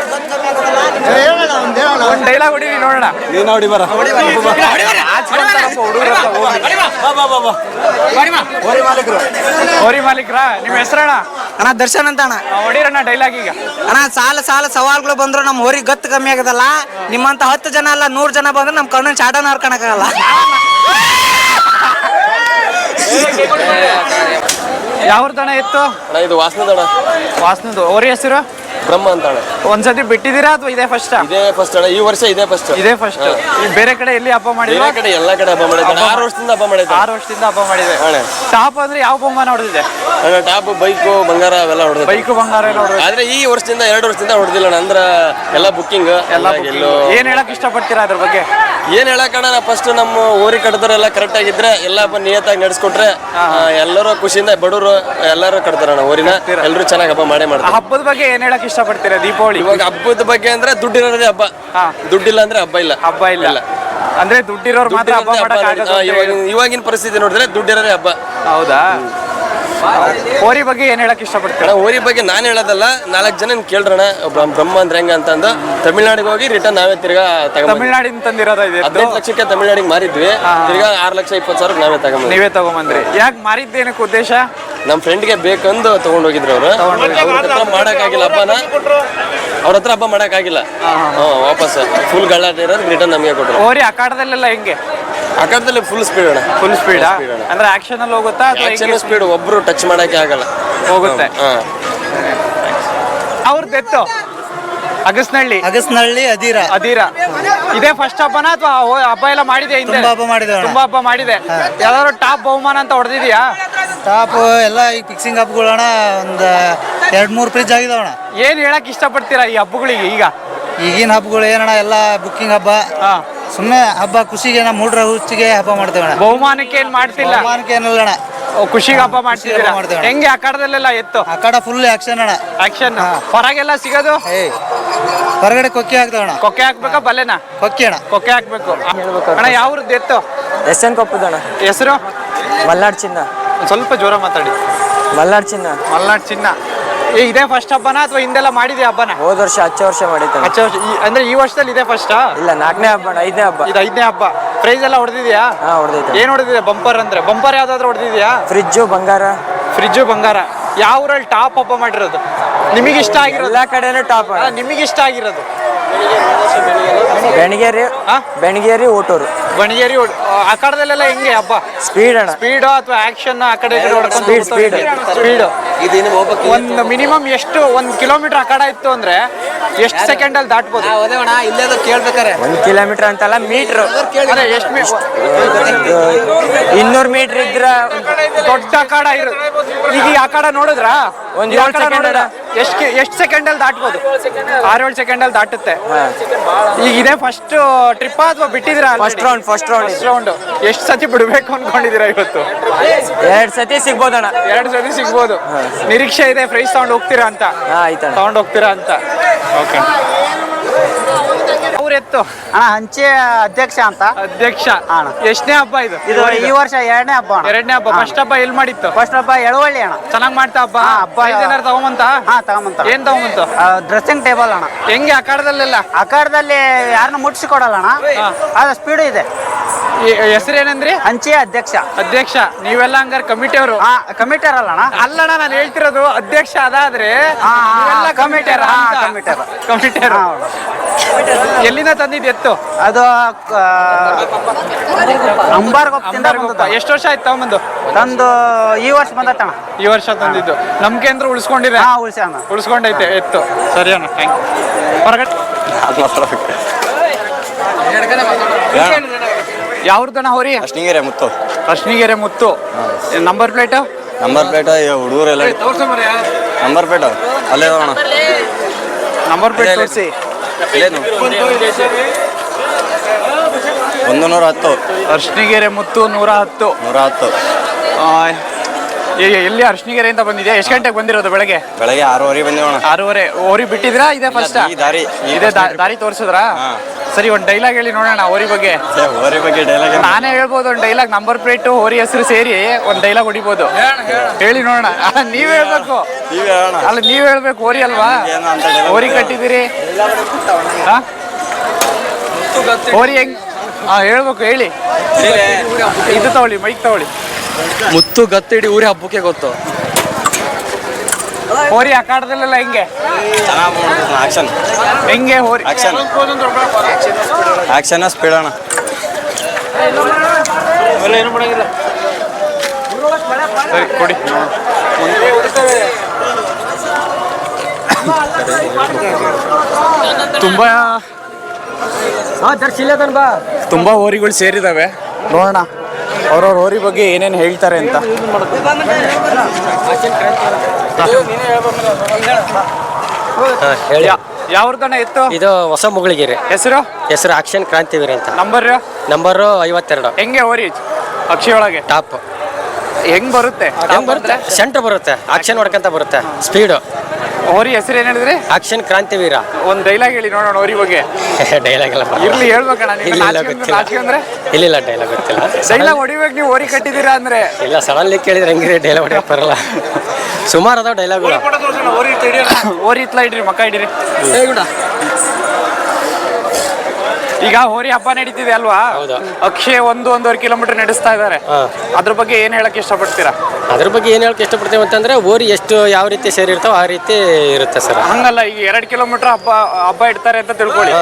Speaker 1: ಒಂದ್ ಡೈಲಾಗ್ ಹೊಡೀರಿ ನೋಡೋಣ
Speaker 7: ನೀನು ನೋಡಿ ಬರ
Speaker 1: ಹೋರಿ ಮಾಲೀಕ್ರ ನಿಮ್ ಹೆಸರಣ್ಣ
Speaker 8: ಅಣ್ಣ ದರ್ಶನ್ ಅಂತ ಅಣ್ಣ
Speaker 1: ಹೊಡೀರಣ್ಣ ಡೈಲಾಗ್ ಈಗ
Speaker 8: ಅಣ್ಣ ಸಾಲ ಸವಾಲ್ಗಳು ಬಂದ್ರು ನಮ್ಮ ಹೋರಿ ಗತ್ತು ಕಮ್ಮಿ ಆಗದಲ್ಲ ನಿಮ್ಮಂತ 10 ಜನ ಅಲ್ಲ 100 ಜನ ಬಂದ್ರೆ ನಮ್ಮ ಕಣ್ಣನ್ ಚಾಟನ ಹರ್ಕೊಳಕ್ಕಾಗಲ್ಲ
Speaker 1: ಯಾವ್ದಣ್ಣ ಎತ್ತು
Speaker 9: ಇದು ವಾಸನದಣ
Speaker 1: ವಾಸನದು ಹೋರಿ ಹೆಸರು
Speaker 9: ಬ್ರಹ್ಮ ಅಂತ ಅಣ್ಣ
Speaker 1: ಒಂದ್ಸತಿ ಬಿಟ್ಟಿದ್ದೀರಾ ಅಥವಾ ಇದೇ ಫಸ್ಟ್
Speaker 9: ಇದೇ ಫಸ್ಟ್ ಅಣ್ಣ ಈ ವರ್ಷ ಇದೇ ಫಸ್ಟ್
Speaker 1: ಇದೇ ಫಸ್ಟ್ ಬೇರೆ ಕಡೆ ಎಲ್ಲಿ ಹಬ್ಬ
Speaker 9: ಬೇರೆ
Speaker 1: ಮಾಡಿಲ್ಲ
Speaker 9: ಕಡೆ ಎಲ್ಲ ಕಡೆ ಹಬ್ಬ ಮಾಡಿದ್ದೆ 6 ವರ್ಷದಿಂದ ಹಬ್ಬ ಮಾಡಿದ್ದೆ
Speaker 1: 6 ವರ್ಷದಿಂದ ಹಬ್ಬ ಮಾಡಿದೆ
Speaker 9: ಅಣ್ಣ
Speaker 1: ಟಾಪ್ ಅಂದ್ರೆ ಯಾವ ಬಹುಮಾನ ಹೊಡೆದಿದೆ
Speaker 9: ಅಣ್ಣ ಟಾಪ್ ಬೈಕು ಬಂಗಾರ ಅವೆಲ್ಲ ಹೊಡೆದ
Speaker 1: ಬೈಕು ಬಂಗಾರ ಎಲ್ಲ ಹೊಡೆದಿದೆ
Speaker 9: ಆದ್ರೆ ಈ ವರ್ಷದಿಂದ 2 ವರ್ಷದಿಂದ ಹೊಡೆದಿಲ್ಲ ಅಣ್ಣ ಅಂದ್ರ ಎಲ್ಲ ಬುಕ್ಕಿಂಗ್
Speaker 1: ಎಲ್ಲ ಎಲ್ಲೋ ಏನ್ ಹೇಳಕ್ ಇಷ್ಟಪಡ್ತೀರಾ ಅದ್ರ ಬಗ್ಗೆ
Speaker 9: ಏನ್ ಹೇಳಕಣ್ಣ ನಾ ಫಸ್ಟ್ ನಮ್ಮ ಊರಿ ಕಟ್ಟದವರೆಲ್ಲ ಕರೆಕ್ಟ್ ಆಗಿದ್ರೆ ಎಲ್ಲ ನಿಯತ್ತಾಗಿ ನಡೆಸ್ಕೊಟ್ರೆ ಎಲ್ಲರೂ ಖುಷಿಯಿಂದ ಬಡವರು ಎಲ್ಲರೂ ಕಟ್ತಾರಣ್ಣ ಊರಿನ ಎಲ್ಲರೂ ಚೆನ್ನಾಗಿ ಹಬ್ಬ ಮಾಡೇ
Speaker 1: ಆ
Speaker 9: ಮಾಡ್ತಾರೆ
Speaker 1: ಹಬ್ಬದ ಬಗ್ಗೆ ಏನ್ ಹೇಳಕ್ ಇಷ್ಟಪಡ್ತೀರಾ ದೀಪಾವಳಿ
Speaker 9: ಇವಾಗ ಹಬ್ಬದ ಬಗ್ಗೆ ಅಂದ್ರೆ ದುಡ್ಡಿರೋದೇ ಹಬ್ಬ ದುಡ್ಡಿಲ್ಲ ಅಂದ್ರೆ ಹಬ್ಬ ಇಲ್ಲ
Speaker 1: ಹಬ್ಬ ಇಲ್ಲ ಅಂದ್ರೆ ದುಡ್ಡಿರೋರು ಮಾತ್ರ ಹಬ್ಬ ಮಾಡಕ್ ಆಗಲ್ಲ
Speaker 9: ಇವಾಗಿನ ಪರಿಸ್ಥಿತಿ ನೋಡಿದ್ರೆ ದುಡ್ಡಿರೋದೇ ಹಬ್ಬ
Speaker 1: ಹೌದಾ ಹೋರಿ ಬಗ್ಗೆ ಏನ್ ಹೇಳಕ್ ಇಷ್ಟಪಡ್ತೀರಾ
Speaker 9: ಅಣ್ಣ ಹೋರಿ ಬಗ್ಗೆ ನಾನು ಹೇಳೋದಲ್ಲ 4 ಜನ ಕೇಳ್ರಣ ಬ್ರಹ್ಮ ಅಂದ್ರೆ ಹೆಂಗ ಅಂತಂದು ತಮಿಳ್ನಾಡಿಗೆ ಹೋಗಿ ರಿಟರ್ನ್ ನಾವೇ ತಿರ್ಗಾ ತಗೊಂಡ್
Speaker 1: ತಮಿಳ್ನಾಡಿನ ತಂದಿರೋದ ಇದೆ
Speaker 9: 15 ಲಕ್ಷಕ್ಕೆ ತಮಿಳ್ನಾಡಿಗೆ ಮಾರಿದ್ವಿ ತಿರ್ಗಾ 6,20,000 ನಾವೇ ತಗೊಂಡ್
Speaker 1: ನೀವೇ ತಗೊಂಬಂದ್ರಿ ಯಾಕೆ ಮಾರಿದ್ದೇನಕ್ಕೆ ಉದ್ದೇಶ
Speaker 9: ನಮ್ಮ ಫ್ರೆಂಡ್ಗೆ ಬೇಕಂದು ತಗೊಂಡ್ ಹೋಗಿದ್ರು ಅವ್ರು ಅವ್ರ ಹತ್ರ ಮಾಡಕ್ಕಾಗಿಲ್ಲ ಹಬ್ಬನ ಅವ್ರ ಹತ್ರ ಹಬ್ಬ ಮಾಡಕ್ಕಾಗಿಲ್ಲ ವಾಪಸ್ ಫುಲ್ ಗಲಾಟೆ ಇರೋದು ರಿಟರ್ನ್ ನಮಗೆ ಕೊಟ್ಟರು
Speaker 1: ಹೋರಿ ಅಖಾಡದಲ್ಲೆಲ್ಲ ಹೆಂಗೆ
Speaker 9: ಅಖಾಡದಲ್ಲಿ ಫುಲ್ ಸ್ಪೀಡ್ ಅಣ್ಣ
Speaker 1: ಫುಲ್ ಸ್ಪೀಡ್ ಅಂದ್ರೆ ಆಕ್ಷನ್ ಅಲ್ಲಿ ಹೋಗುತ್ತಾ ಅಥವಾ
Speaker 9: ಸ್ಪೀಡ್ ಒಬ್ರು ಟಚ್ ಮಾಡಕ್ಕೆ ಆಗಲ್ಲ
Speaker 1: ಹೋಗುತ್ತೆ ಅವ್ರದ್ದು ಎತ್ತು
Speaker 6: ಅಗಸ್ನಹಳ್ಳಿ
Speaker 1: ಅಧೀರ ಇದೇ ಫಸ್ಟ್ ಹಬ್ಬನ ಅಥವಾ ಹಬ್ಬ ಎಲ್ಲ ಮಾಡಿದೆ ಹಿಂದೆ
Speaker 6: ತುಂಬಾ ಹಬ್ಬ ಮಾಡಿದೆ ಅಣ್ಣ.
Speaker 1: ತುಂಬಾ ಹಬ್ಬ ಮಾಡಿದೆ ಯಾವ್ದಾದ್ರು ಟಾಪ್ ಬಹುಮಾನ ಅಂತ ಹೊಡೆದಿದ್ಯಾ
Speaker 6: ಟಾಪ್ ಎಲ್ಲ ಈಗ ಫಿಕ್ಸಿಂಗ್ ಹಬ್ಬಗಳಣ್ಣ ಒಂದು 2-3 ಫ್ರಿಜ್ ಆಗಿದಾವಣ್ಣ
Speaker 1: ಏನ್ ಹೇಳಕ್ ಇಷ್ಟಪಡ್ತೀರಾ ಈ ಹಬ್ಬಗಳಿಗೆ ಈಗ
Speaker 6: ಈಗಿನ ಹಬ್ಬಗಳು ಏನಣ್ಣ ಎಲ್ಲ ಬುಕ್ಕಿಂಗ್ ಹಬ್ಬ ಸುಮ್ಮನೆ ಹಬ್ಬ ಖುಷಿಗೆ ನಮ್ಮ ಮೂಡ್ರ ಹುಚ್ಚಿಗೆ ಹಬ್ಬ ಮಾಡ್ತೇವಣ್ಣ
Speaker 1: ಬಹುಮಾನಕ್ಕೆ ಏನ್ ಮಾಡ್ತಿಲ್ಲ
Speaker 6: ಬಹುಮಾನಕ್ಕೆ ಏನಲ್ಲ ಅಣ್ಣ
Speaker 1: ಖುಷಿಗೆ ಹಬ್ಬ ಮಾಡ್ತಿದ್ದೀರಾ
Speaker 6: ಹಬ್ಬ ಮಾಡ್ತೇವೆ.
Speaker 1: ಹೆಂಗೆ ಅಖಾಡದಲ್ಲೆಲ್ಲ ಎತ್ತು
Speaker 6: ಆ ಕಡೆ ಫುಲ್ ಆಕ್ಷನ್ ಅಣ್ಣ
Speaker 1: ಆಕ್ಷನ್ ಹೊರಗೆಲ್ಲ ಸಿಗೋದು
Speaker 6: ಹೊರಗಡೆ ಕೊಕ್ಕಿ ಹಾಕ್ತಾವಣ್ಣ
Speaker 1: ಕೊಕ್ಕೆ ಹಾಕ್ಬೇಕಾ ಬಲೆನಾ
Speaker 6: ಕೊಕ್ಕಿ ಅಣ್ಣ
Speaker 1: ಕೊಕ್ಕೆ ಹಾಕ್ಬೇಕು ಅಣ್ಣ ಯಾವ್ರದ್ದು ಎತ್ತು
Speaker 3: ಎಸ್.ಎನ್. ಕೊಪ್ಪದಣ್ಣ
Speaker 1: ಹೆಸರು
Speaker 3: ಮಲ್ನಾಡ್ ಚಿನ್ನ
Speaker 1: ಒಂದ್ ಸ್ವಲ್ಪ ಜೋರ ಮಾತಾಡಿ
Speaker 3: ಮಲ್ನಾಡ್ ಚಿನ್ನ
Speaker 1: ಮಲ್ನಾಡ್ ಚಿನ್ನ ಇದೇ ಫಸ್ಟ್ ಹಬ್ಬನ ಅಥವಾ ಹಿಂದೆಲ್ಲ ಮಾಡಿದ್ಯಾ ಹಬ್ಬನ?
Speaker 3: ಹೋದ ವರ್ಷ ಹಚ್ಚ ವರ್ಷ ಮಾಡಿದ್ದಾನೆ.
Speaker 1: ಹಚ್ಚ ವರ್ಷ ಅಂದ್ರೆ ಈ ವರ್ಷದಲ್ಲಿ ಇದೇ ಫಸ್ಟ್?
Speaker 3: ಇಲ್ಲ, 4ನೇ ಹಬ್ಬ, 5ನೇ ಹಬ್ಬ.
Speaker 1: ಇದು 5ನೇ ಹಬ್ಬ. ಪ್ರೈಸ್ ಎಲ್ಲ ಹೊಡೆದಿದ್ಯಾ?
Speaker 3: ಹಾ, ಹೊಡೆದೈತೆ.
Speaker 1: ಏನ್ ಹೊಡೆದಿದೆ? ಬಂಪರ್ ಅಂದ್ರೆ ಬಂಪರ್ ಯಾವ್ದಾದ್ರು ಹೊಡೆದಿದ್ಯಾ?
Speaker 3: ಫ್ರಿಜ್ಜು ಬಂಗಾರ.
Speaker 1: ಫ್ರಿಜ್ಜು ಬಂಗಾರ. ಯಾವ ಊರಲ್ಲಿ ಟಾಪ್ ಹಬ್ಬ ಮಾಡಿರೋದು ನಿಮಗೆ ಇಷ್ಟ ಆಗಿರೋದು?
Speaker 3: ಎಲ್ಲಾ ಕಡೆನೂ ಟಾಪ್.
Speaker 1: ನಿಮಗೆ ಇಷ್ಟ ಆಗಿರೋದು?
Speaker 3: ಬೆಣಗೇರಿ, ಬೆಣಗೇರಿ, ಊಟೂರು.
Speaker 1: ಬಣಗೇರಿ. ಅಖಾಡದಲ್ಲೆಲ್ಲ ಹೆಂಗೆ ಹಬ್ಬ?
Speaker 3: ಸ್ಪೀಡ್ ಅಣ್ಣ.
Speaker 1: ಸ್ಪೀಡ್ ಅಥವಾ ಆಕ್ಷನ್ ಆ ಕಡೆ
Speaker 3: ಸ್ಪೀಡ್.
Speaker 1: ಒಂದು ಮಿನಿಮಮ್ ಎಷ್ಟು 1 ಕಿಲೋಮೀಟರ್ ಅಖಾಡ ಇತ್ತು ಅಂದ್ರೆ ಎಷ್ಟು ಸೆಕೆಂಡ್ ಅಲ್ಲಿ ದಾಟ್ಬೋದು?
Speaker 8: ಇಲ್ಲೇ ಕೇಳ್ಬೇಕಾರೆ
Speaker 3: 1 ಕಿಲೋಮೀಟರ್ ಅಂತಲ್ಲ, ಮೀಟ್ರು.
Speaker 1: ಅದೇ ಎಷ್ಟು
Speaker 3: 200 ಮೀಟರ್ ಇದ್ರ
Speaker 1: ದೊಡ್ಡ ಅಖಾಡ ಇರುತ್ತೆ. ಈಗ ಈ ಅಖಾಡ ನೋಡಿದ್ರ
Speaker 3: ಒಂದ್ 7 ಸೆಕೆಂಡ್
Speaker 1: ಎಷ್ಟು ಸೆಕೆಂಡ್ ಅಲ್ಲಿ ದಾಟ್ಬೋದು? 6-7 ಸೆಕೆಂಡ್ ಅಲ್ಲಿ ದಾಟುತ್ತೆ. ಈಗ ಇದೇ ಫಸ್ಟ್ ಟ್ರಿಪ್ ಅಥವಾ ಬಿಟ್ಟಿದ್ದೀರಾ?
Speaker 3: First round.
Speaker 1: ಎಷ್ಟು ಸತಿ ಬಿಡ್ಬೇಕು ಅನ್ಕೊಂಡಿದ್ದೀರಾ ಇವತ್ತು?
Speaker 3: 2 ಸತಿ ಸಿಗ್ಬೋದಣ್ಣ.
Speaker 1: 2 ಸತಿ ಸಿಗ್ಬೋದು. ನಿರೀಕ್ಷೆ ಇದೆ ಪ್ರೈಸ್ ತಗೊಂಡು ಹೋಗ್ತೀರಾ ಅಂತ?
Speaker 3: ಆಯ್ತಣ್ಣ.
Speaker 1: ತಗೊಂಡು ಹೋಗ್ತೀರಾ ಅಂತ. ಓಕೆ. ಅವ್ರ ಎತ್ತು
Speaker 4: ಅಣ್ಣ ಹಂಚೆ ಅಧ್ಯಕ್ಷ ಅಂತ.
Speaker 1: ಅಧ್ಯಕ್ಷ. ಎಷ್ಟನೇ ಹಬ್ಬ ಇದು?
Speaker 4: ಇದು ಈ ವರ್ಷ 2ನೇ ಹಬ್ಬ.
Speaker 1: 2ನೇ ಹಬ್ಬ. ಫಸ್ಟ್ ಹಬ್ಬ ಎಲ್ಲಿ ಮಾಡಿತ್ತು?
Speaker 4: ಫಸ್ಟ್ ಹಬ್ಬ ಎಳವಳ್ಳಿ ಅಣ್ಣ.
Speaker 1: ಚೆನ್ನಾಗ್ ಮಾಡ್ತಾ ಹಬ್ಬ?
Speaker 4: ಹಬ್ಬ
Speaker 1: ಏನಾರು ತಗೊಂಬಂತ?
Speaker 4: ತಗೊಂಬಂತ.
Speaker 1: ಏನ್ ತಗೊಂಬಂತು?
Speaker 4: ಡ್ರೆಸ್ಸಿಂಗ್ ಟೇಬಲ್ ಅಣ್ಣ.
Speaker 1: ಹೆಂಗೆ ಅಖಾಡದಲ್ಲೆಲ್ಲ?
Speaker 4: ಅಖಾಡದಲ್ಲಿ ಯಾರನ್ನ ಮುಟ್ಸಿಕೊಡಲ್ಲ ಅಣ್ಣ. ಅದು ಸ್ಪೀಡ್ ಇದೆ.
Speaker 1: ಹೆಸರೇನಂದ್ರಿ?
Speaker 4: ಹಂಚೆ ಅಧ್ಯಕ್ಷ.
Speaker 1: ಅಧ್ಯಕ್ಷ. ನೀವೆಲ್ಲ ಹಂಗಾರೆ ಕಮಿಟಿಯವರು?
Speaker 4: ಕಮಿಟರ್ ಅಲ್ಲ ಅಣ್ಣ.
Speaker 1: ಅಲ್ಲಣ್ಣ, ನಾನು ಹೇಳ್ತಿರೋದು ಅಧ್ಯಕ್ಷ ಅದಾದ್ರೆ
Speaker 4: ಕಮಿಟರ್.
Speaker 1: ಕಮಿಟಿಯರ್. ಎಲ್ಲಿಂದ ತಂದಿದ್ ಎತ್ತು?
Speaker 4: ಅದು ಅಂಬಾರ್ಗೊಪ್ಪದಿಂದ ಬಂದದ್ದು.
Speaker 1: ಎಷ್ಟು ವರ್ಷ ಆಯ್ತು ತಗೊಂಬಂದು?
Speaker 4: ತಂದು ಈ ವರ್ಷ ಬಂದತ್ತಣ್ಣ.
Speaker 1: ಈ ವರ್ಷ ತಂದಿದ್ದು. ನಮ್ಗೆ ಅಂದ್ರೆ ಉಳಿಸ್ಕೊಂಡಿದೆ? ಉಳಿಸ್ಕೊಂಡೈತೆ ಎತ್ತು. ಸರಿ ಅಣ್ಣ, ಥ್ಯಾಂಕ್ ಯು. ಹೊರಗಡೆ ಯಾವ್ದಣ್ಣ ಹೋರಿ?
Speaker 7: Ashtingere Muttu.
Speaker 1: Ashnigere Muttu. Number plate?
Speaker 7: Number plate ಹುಡುಗರೆಲ್ಲ ನಂಬರ್ ಪ್ಲೇಟ್ ಅಲ್ಲೇ ಅಣ್ಣ.
Speaker 1: ನಂಬರ್ ಪ್ಲೇಟ್ ತೋರಿಸಿ.
Speaker 7: 110.
Speaker 1: ಅರ್ಶಿನಿಗೆರೆ ಮುತ್ತು 110. ಎಲ್ಲಿ ಅರ್ಶಿನಿಗೆರೆ ಅಂತ ಬಂದಿದೆ? ಎಷ್ಟು ಗಂಟೆಗೆ ಬಂದಿರೋದು? ಬೆಳಗ್ಗೆ
Speaker 7: 6:30 ಬಂದೇವಣ.
Speaker 1: 6:30. ಓರಿ ಬಿಟ್ಟಿದ್ರಾ? ಇದೇ ಫಸ್ಟ್ ಇದೇ ದಾರಿ ತೋರಿಸಿದ್ರಾ? ಸರಿ, ಒಂದು ಡೈಲಾಗ್ ಹೇಳಿ ನೋಡೋಣ ಓರಿ ಬಗ್ಗೆ.
Speaker 7: ಓರಿ ಬಗ್ಗೆ ಡೈಲಾಗ್
Speaker 1: ನಾನೇ ಹೇಳ್ಬೋದು ಒಂದು ಡೈಲಾಗ್. ನಂಬರ್ ಪ್ಲೇಟ್ ಓರಿ ಹೆಸರು ಸೇರಿ ಒಂದು ಡೈಲಾಗ್ ಹೊಡಿಬೋದು. ಹೇಳಿ ನೋಡೋಣ. ನೀವ್ ಹೇಳ್ಬೇಕು. ಅಲ್ಲ, ನೀವ್ ಹೇಳ್ಬೇಕು. ಓರಿ ಅಲ್ವಾ? ಓರಿ ಕಟ್ಟಿದ್ದೀರಿ. ಓರಿ ಹೆಂಗ್ ಹೇಳ್ಬೇಕು, ಹೇಳಿ. ಇದು ತಗೊಳ್ಳಿ, ಮೈಕ್ ತಗೊಳ್ಳಿ.
Speaker 9: ಮುತ್ತು ಗತ್ತಿಡಿ ಊರಿ ಹಬ್ಬಕ್ಕೆ ಗೊತ್ತು.
Speaker 1: ಹೋರಿ ಅಖಾಡದಲ್ಲೆಲ್ಲ ಹೆಂಗೆ?
Speaker 7: ಆಕ್ಷನ್
Speaker 1: ಹೆಂಗೆ ಹೋರಿ?
Speaker 7: ಆಕ್ಷನ್ ಸ್ಪೀಡ್ ಅಣ್ಣ.
Speaker 1: ಸರಿ, ಕೊಡಿ. ತುಂಬಾ ಹೋರಿಗಳು ಸೇರಿದಾವೆ. ನೋಡೋಣ ಅವ್ರವ್ರ ಹೋರಿ ಬಗ್ಗೆ ಏನೇನು ಹೇಳ್ತಾರೆ ಅಂತ. ಯಾವ್ದಣ್ಣ ಎತ್ತು?
Speaker 3: ಇದು ಹೊಸ ಮುಗಳಿಗೆರೆ.
Speaker 1: ಹೆಸರು
Speaker 3: ಆಕ್ಷನ್ ಕ್ರಾಂತಿವೀರ ಅಂತ.
Speaker 1: ನಂಬರು
Speaker 3: 52.
Speaker 1: ಹೆಂಗೆ ಹೋರಿ ಅಕ್ಷಿ ಒಳಗೆ?
Speaker 3: ಟಾಪ್.
Speaker 1: ಹೆಂಗ್ ಬರುತ್ತೆ?
Speaker 3: ಸೆಂಟರ್ ಬರುತ್ತೆ. ಆಕ್ಷನ್ ಹೊಡ್ಕಂತ ಬರುತ್ತೆ. ಸ್ಪೀಡ್.
Speaker 1: ಹೋರಿ ಹೆಸರು ಏನ್ ಹೇಳಿದ್ರಿ?
Speaker 3: ಆಕ್ಷನ್ ಕ್ರಾಂತಿವೀರ.
Speaker 1: ಒಂದ್ ಡೈಲಾಗ್ ಹೇಳಿ ನೋಡೋಣ ಹೋರಿ ಬಗ್ಗೆ.
Speaker 3: ಡೈಲಾಗ್ ಎಲ್ಲ
Speaker 1: ಇರ್ಲಿ, ಹೇಳ್ಬೇಕಣ್ಣ.
Speaker 3: ಇಲ್ಲ, ಡೈಲಾಗ್ ಗೊತ್ತಿಲ್ಲ.
Speaker 1: ಡೈಲಾಗ್ ಹೊಡಿಬೇಕು. ನೀವು ಹೋರಿ ಕಟ್ಟಿದ್ದೀರಾ ಅಂದ್ರೆ?
Speaker 3: ಇಲ್ಲ, ಸಡನ್ಲಿ ಕೇಳಿದ್ರೆ ಹೆಂಗಿರಿ ಡೈಲಾಗ್ ಹೊಡಿಯಕ್ ಬರಲ್ಲ. ಸುಮಾರು ಅದಾವ ಡೈಲಾಗ್ಗಳು.
Speaker 1: ಹೋರಿ ಇತ್ಲ ಇಡ್ರಿ, ಮಕ್ಕ ಇಡ್ರಿ. ಈಗ ಹೋರಿ ಹಬ್ಬ ನಡೀತಿದೆ ಅಲ್ವಾ? ಅಕ್ಷಯ್ 1-1.5 ಕಿಲೋಮೀಟರ್ ನಡೆಸ್ತಾ ಇದ್ದಾರೆ. ಅದ್ರ ಬಗ್ಗೆ ಏನ್ ಹೇಳಕ್ ಇಷ್ಟಪಡ್ತೀರಾ?
Speaker 3: ಅದ್ರ ಬಗ್ಗೆ ಏನ್ ಹೇಳಕ್ ಇಷ್ಟಪಡ್ತೀವಿ ಅಂತಂದ್ರೆ, ಹೋರಿ ಎಷ್ಟು ಯಾವ ರೀತಿ ಸೇರಿರ್ತಾವ ಆ ರೀತಿ ಇರುತ್ತೆ ಸರ್.
Speaker 1: ಹಂಗಲ್ಲ, ಈಗ 2 ಕಿಲೋಮೀಟರ್ ಹಬ್ಬ ಇಡ್ತಾರೆ ಅಂತ ತಿಳ್ಕೊಳ್ಳಿ.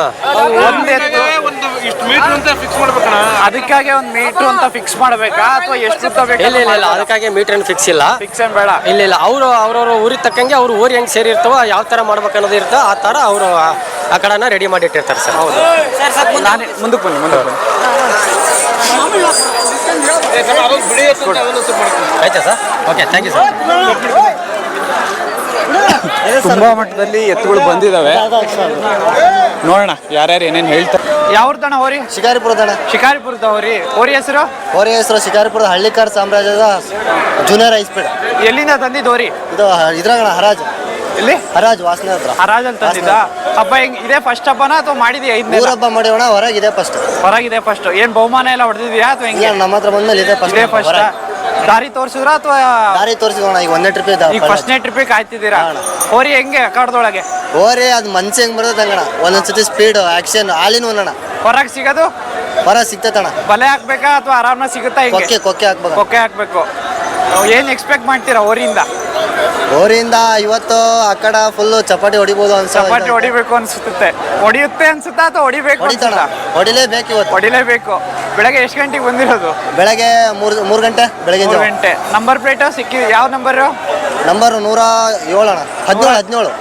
Speaker 1: ಅದಕ್ಕಾಗಿ 1 ಮೀಟರ್ ಅಂತ ಫಿಕ್ಸ್ ಮಾಡ್ಬೇಕಾ ಅಥವಾ ಎಷ್ಟು ಉದ್ದ ಬೇಕು?
Speaker 3: ಇಲ್ಲ, ಅದಕ್ಕಾಗಿ ಮೀಟರ್ ಏನು ಫಿಕ್ಸ್ ಇಲ್ಲ.
Speaker 1: ಫಿಕ್ಸ್ ಏನ್ ಬೇಡ.
Speaker 3: ಇಲ್ಲ, ಅವ್ರವ್ರ ಊರಿಗೆ ತಕ್ಕಂಗೆ ಅವ್ರು ಊರಿ ಹೆಂಗ್ ಸೇರಿರ್ತಾವ, ಯಾವ ತರ ಮಾಡ್ಬೇಕು ಅನ್ನೋದು ಇರ್ತೋ ಆ ತರ ಅವರು ಆ ಕಡೆನ ರೆಡಿ ಮಾಡಿಟ್ಟಿರ್ತಾರೆ ಸರ್.
Speaker 1: ಹೌದು. ನಾನೇ ಮುಂದಕ್ಕೆ ಬನ್ನಿ.
Speaker 3: ಆಯ್ತಾ sir? Okay, thank you sir.
Speaker 1: ತುಂಬಾ ಮಟ್ಟದಲ್ಲಿ ಎತ್ತುಗಳು ಬಂದಿದ್ದಾವೆ. ನೋಡೋಣ ಯಾರ್ಯಾರು ಏನೇನು ಹೇಳ್ತಾರೆ. ಯಾವ್ದಣ್ಣ ಹೋರಿ? ಶಿಕಾರಿಪುರದ ಹೋರಿ ಹೆಸರು?
Speaker 3: ಶಿಕಾರಿಪುರದ ಹಳ್ಳಿಕಾರ್ ಸಾಮ್ರಾಜ್ಯದ ಜೂನಿಯರ್ ಹೈಸ್ಪೀಡ್.
Speaker 1: ಎಲ್ಲಿಂದ ತಂದಿದ್ದು ಹೋರಿ?
Speaker 3: ಇದು ಇದ್ರಾಗಣ ಹರಾಜ್.
Speaker 1: ಇಲ್ಲಿ
Speaker 3: ಹರಾಜ್ ವಾಸನೆ ಹತ್ರ.
Speaker 1: ಹರಾಜಲ್ಲಿ ತಂದಿದ್ದ. ಹಬ್ಬ ಹೆಂಗ್ ಇದೇ ಫಸ್ಟ್ ಹಬ್ಬನ ಅಥವಾ ಮಾಡಿದ್ಯಾ?
Speaker 3: ಹಬ್ಬ ಮಾಡಿವಣ. ಹೊರಗಿದೆ ಫಸ್ಟ್.
Speaker 1: ಏನ್ ಬಹುಮಾನ ಎಲ್ಲ ಹೊಡೆದಿದ್ಯಾ ಅಥವಾ ಹೆಂಗೆ?
Speaker 3: ನಮ್ಮ ಹತ್ರ ಬಂದ್ಮೇಲೆ ಇದೆ ಫಸ್ಟ್.
Speaker 1: ದಾರಿ ತೋರಿಸಿದ್ರ ಅಥವಾ
Speaker 3: ದಾರಿ ತೋರಿಸಿದೋಣ ಈಗ ಒಂದೇ ಟ್ರಿಪ್
Speaker 1: ಈಗ ಫಸ್ಟ್ನೇ ಟ್ರಿಪ್ಪಿಗೆ ಕಾಯ್ತಿದ್ದೀರಾ? ಹೋರಿ ಹೆಂಗೆ ಅಖಾಡದೊಳಗೆ?
Speaker 3: ಓರಿ ಅದು ಮನ್ಸಿ ಹೆಂಗ್ ಬರ್ತದೆ ಹಂಗಣ ಒಂದೊಂದ್ಸತಿ ಸ್ಪೀಡ್ ಆಕ್ಷನ್ ಹಾಲಿನ ಒಂದಣ
Speaker 1: ಹೊರಗೆ ಸಿಗೋದು
Speaker 3: ಹೊರ ಸಿಗ್ತೈತಣ.
Speaker 1: ಬಲೆ ಹಾಕ್ಬೇಕಾ ಅಥವಾ ಆರಾಮಾಗಿ ಸಿಗುತ್ತಾ? ಹಿಂಗೆ
Speaker 3: ಕೊಕ್ಕೆ ಕೊಕ್ಕೆ ಹಾಕ್ಬೇಕು.
Speaker 1: ಕೊಕ್ಕೆ ಹಾಕ್ಬೇಕು. ಏನ್ ಎಕ್ಸ್ಪೆಕ್ಟ್ ಮಾಡ್ತೀರಾ ಹೋರಿಯಿಂದ?
Speaker 3: ಓರಿಯಿಂದ ಇವತ್ತು ಆ ಕಡೆ ಫುಲ್ ಚಪಾಟಿ ಹೊಡಿಬೋದು
Speaker 1: ಚಪಾಟಿ ಹೊಡಿಬೇಕು ಅನ್ಸುತ್ತೆ. ಹೊಡಿಯುತ್ತೆ ಅನ್ಸುತ್ತಾ ಅಥವಾ ಹೊಡಿಬೇಕು
Speaker 3: ಹೊಡಿತಾಣ
Speaker 1: ಅನ್ಸುತ್ತಾ?
Speaker 3: ಹೊಡಿಲೇಬೇಕು ಇವತ್ತು.
Speaker 1: ಹೊಡಿಲೇಬೇಕು. ಬೆಳಗ್ಗೆ ಎಷ್ಟು ಗಂಟೆಗೆ ಬಂದಿರೋದು?
Speaker 3: ಬೆಳಗ್ಗೆ ಮೂರು ಗಂಟೆ ಬೆಳಗ್ಗೆ
Speaker 1: 3 ಗಂಟೆ. ನಂಬರ್ ಪ್ಲೇಟ್ ಸಿಕ್ಕಿ ಯಾವ ನಂಬರು?
Speaker 3: ನಂಬರ್ 107 ಅಣ್ಣ. 17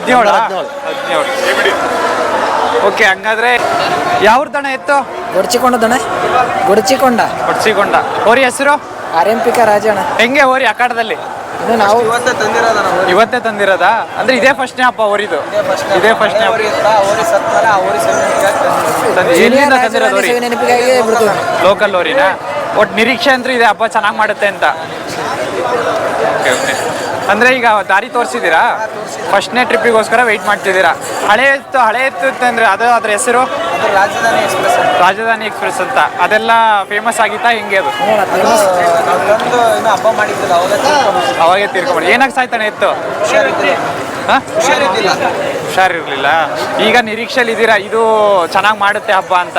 Speaker 1: ಓಕೆ, ಹಂಗಾದ್ರೆ ಯಾವ್ದಣ ಎತ್ತು?
Speaker 8: ಗೊಡ್ಚಿಕೊಂಡ
Speaker 1: ಕೊಡ್ಸಿಕೊಂಡ. ಹೋರಿ ಹೆಸರು?
Speaker 8: ಆರ್ಎಂಪಿಕ ರಾಜಣ್ಣ.
Speaker 1: ಹೆಂಗೆ ಹೋರಿ ಅಖಾಡದಲ್ಲಿ?
Speaker 8: ನಾವು
Speaker 1: ಇವತ್ತೇ ತಂದಿರೋದಾ? ಅಂದ್ರೆ ಇದೇ ಫಸ್ಟ್ನೇ ಹಬ್ಬ ಹೋರಿದು? ಇದೇ ಫಸ್ಟ್ನೇ ಎಲ್ಲಿಂದ ತಂದಿರೋದು ಹೋರಿ?
Speaker 8: ನೆನಪಿಗಾಗಿ ಬಿಡ್ತೀವಿ.
Speaker 1: ಲೋಕಲ್ ಹೋರಿನಾ? ಒಟ್ಟು ನಿರೀಕ್ಷೆ ಅಂದ್ರೆ ಇದೆ ಹಬ್ಬ ಚೆನ್ನಾಗಿ ಮಾಡುತ್ತೆ ಅಂತ. ಅಂದ್ರೆ ಈಗ ದಾರಿ ತೋರಿಸಿದ್ದೀರಾ? ಫಸ್ಟ್ನೇ ಟ್ರಿಪ್ಪಿಗೋಸ್ಕರ ವೆಯ್ಟ್ ಮಾಡ್ತಿದ್ದೀರಾ? ಹಳೆ ಎತ್ತು ಅಂದ್ರೆ ಅದು ಅದ್ರ ಹೆಸರು? ರಾಜಧಾನಿ ಎಕ್ಸ್ಪ್ರೆಸ್ ಅಂತ. ಅದೆಲ್ಲ ಫೇಮಸ್ ಆಗಿತ್ತಾ ಹೆಂಗೆ ಅದು? ಅವಾಗೇ ತೀರ್ಕೊಂಡ್ಬಿಡಿ. ಏನಾಗ ಸಾಯ್ತಾನೆ ಎತ್ತು? ಹುಷಾರಿರ್ಲಿಲ್ಲ. ಈಗ ನಿರೀಕ್ಷೆಲಿ ಇದ್ದೀರಾ ಇದು ಚೆನ್ನಾಗಿ ಮಾಡುತ್ತೆ ಹಬ್ಬ ಅಂತ?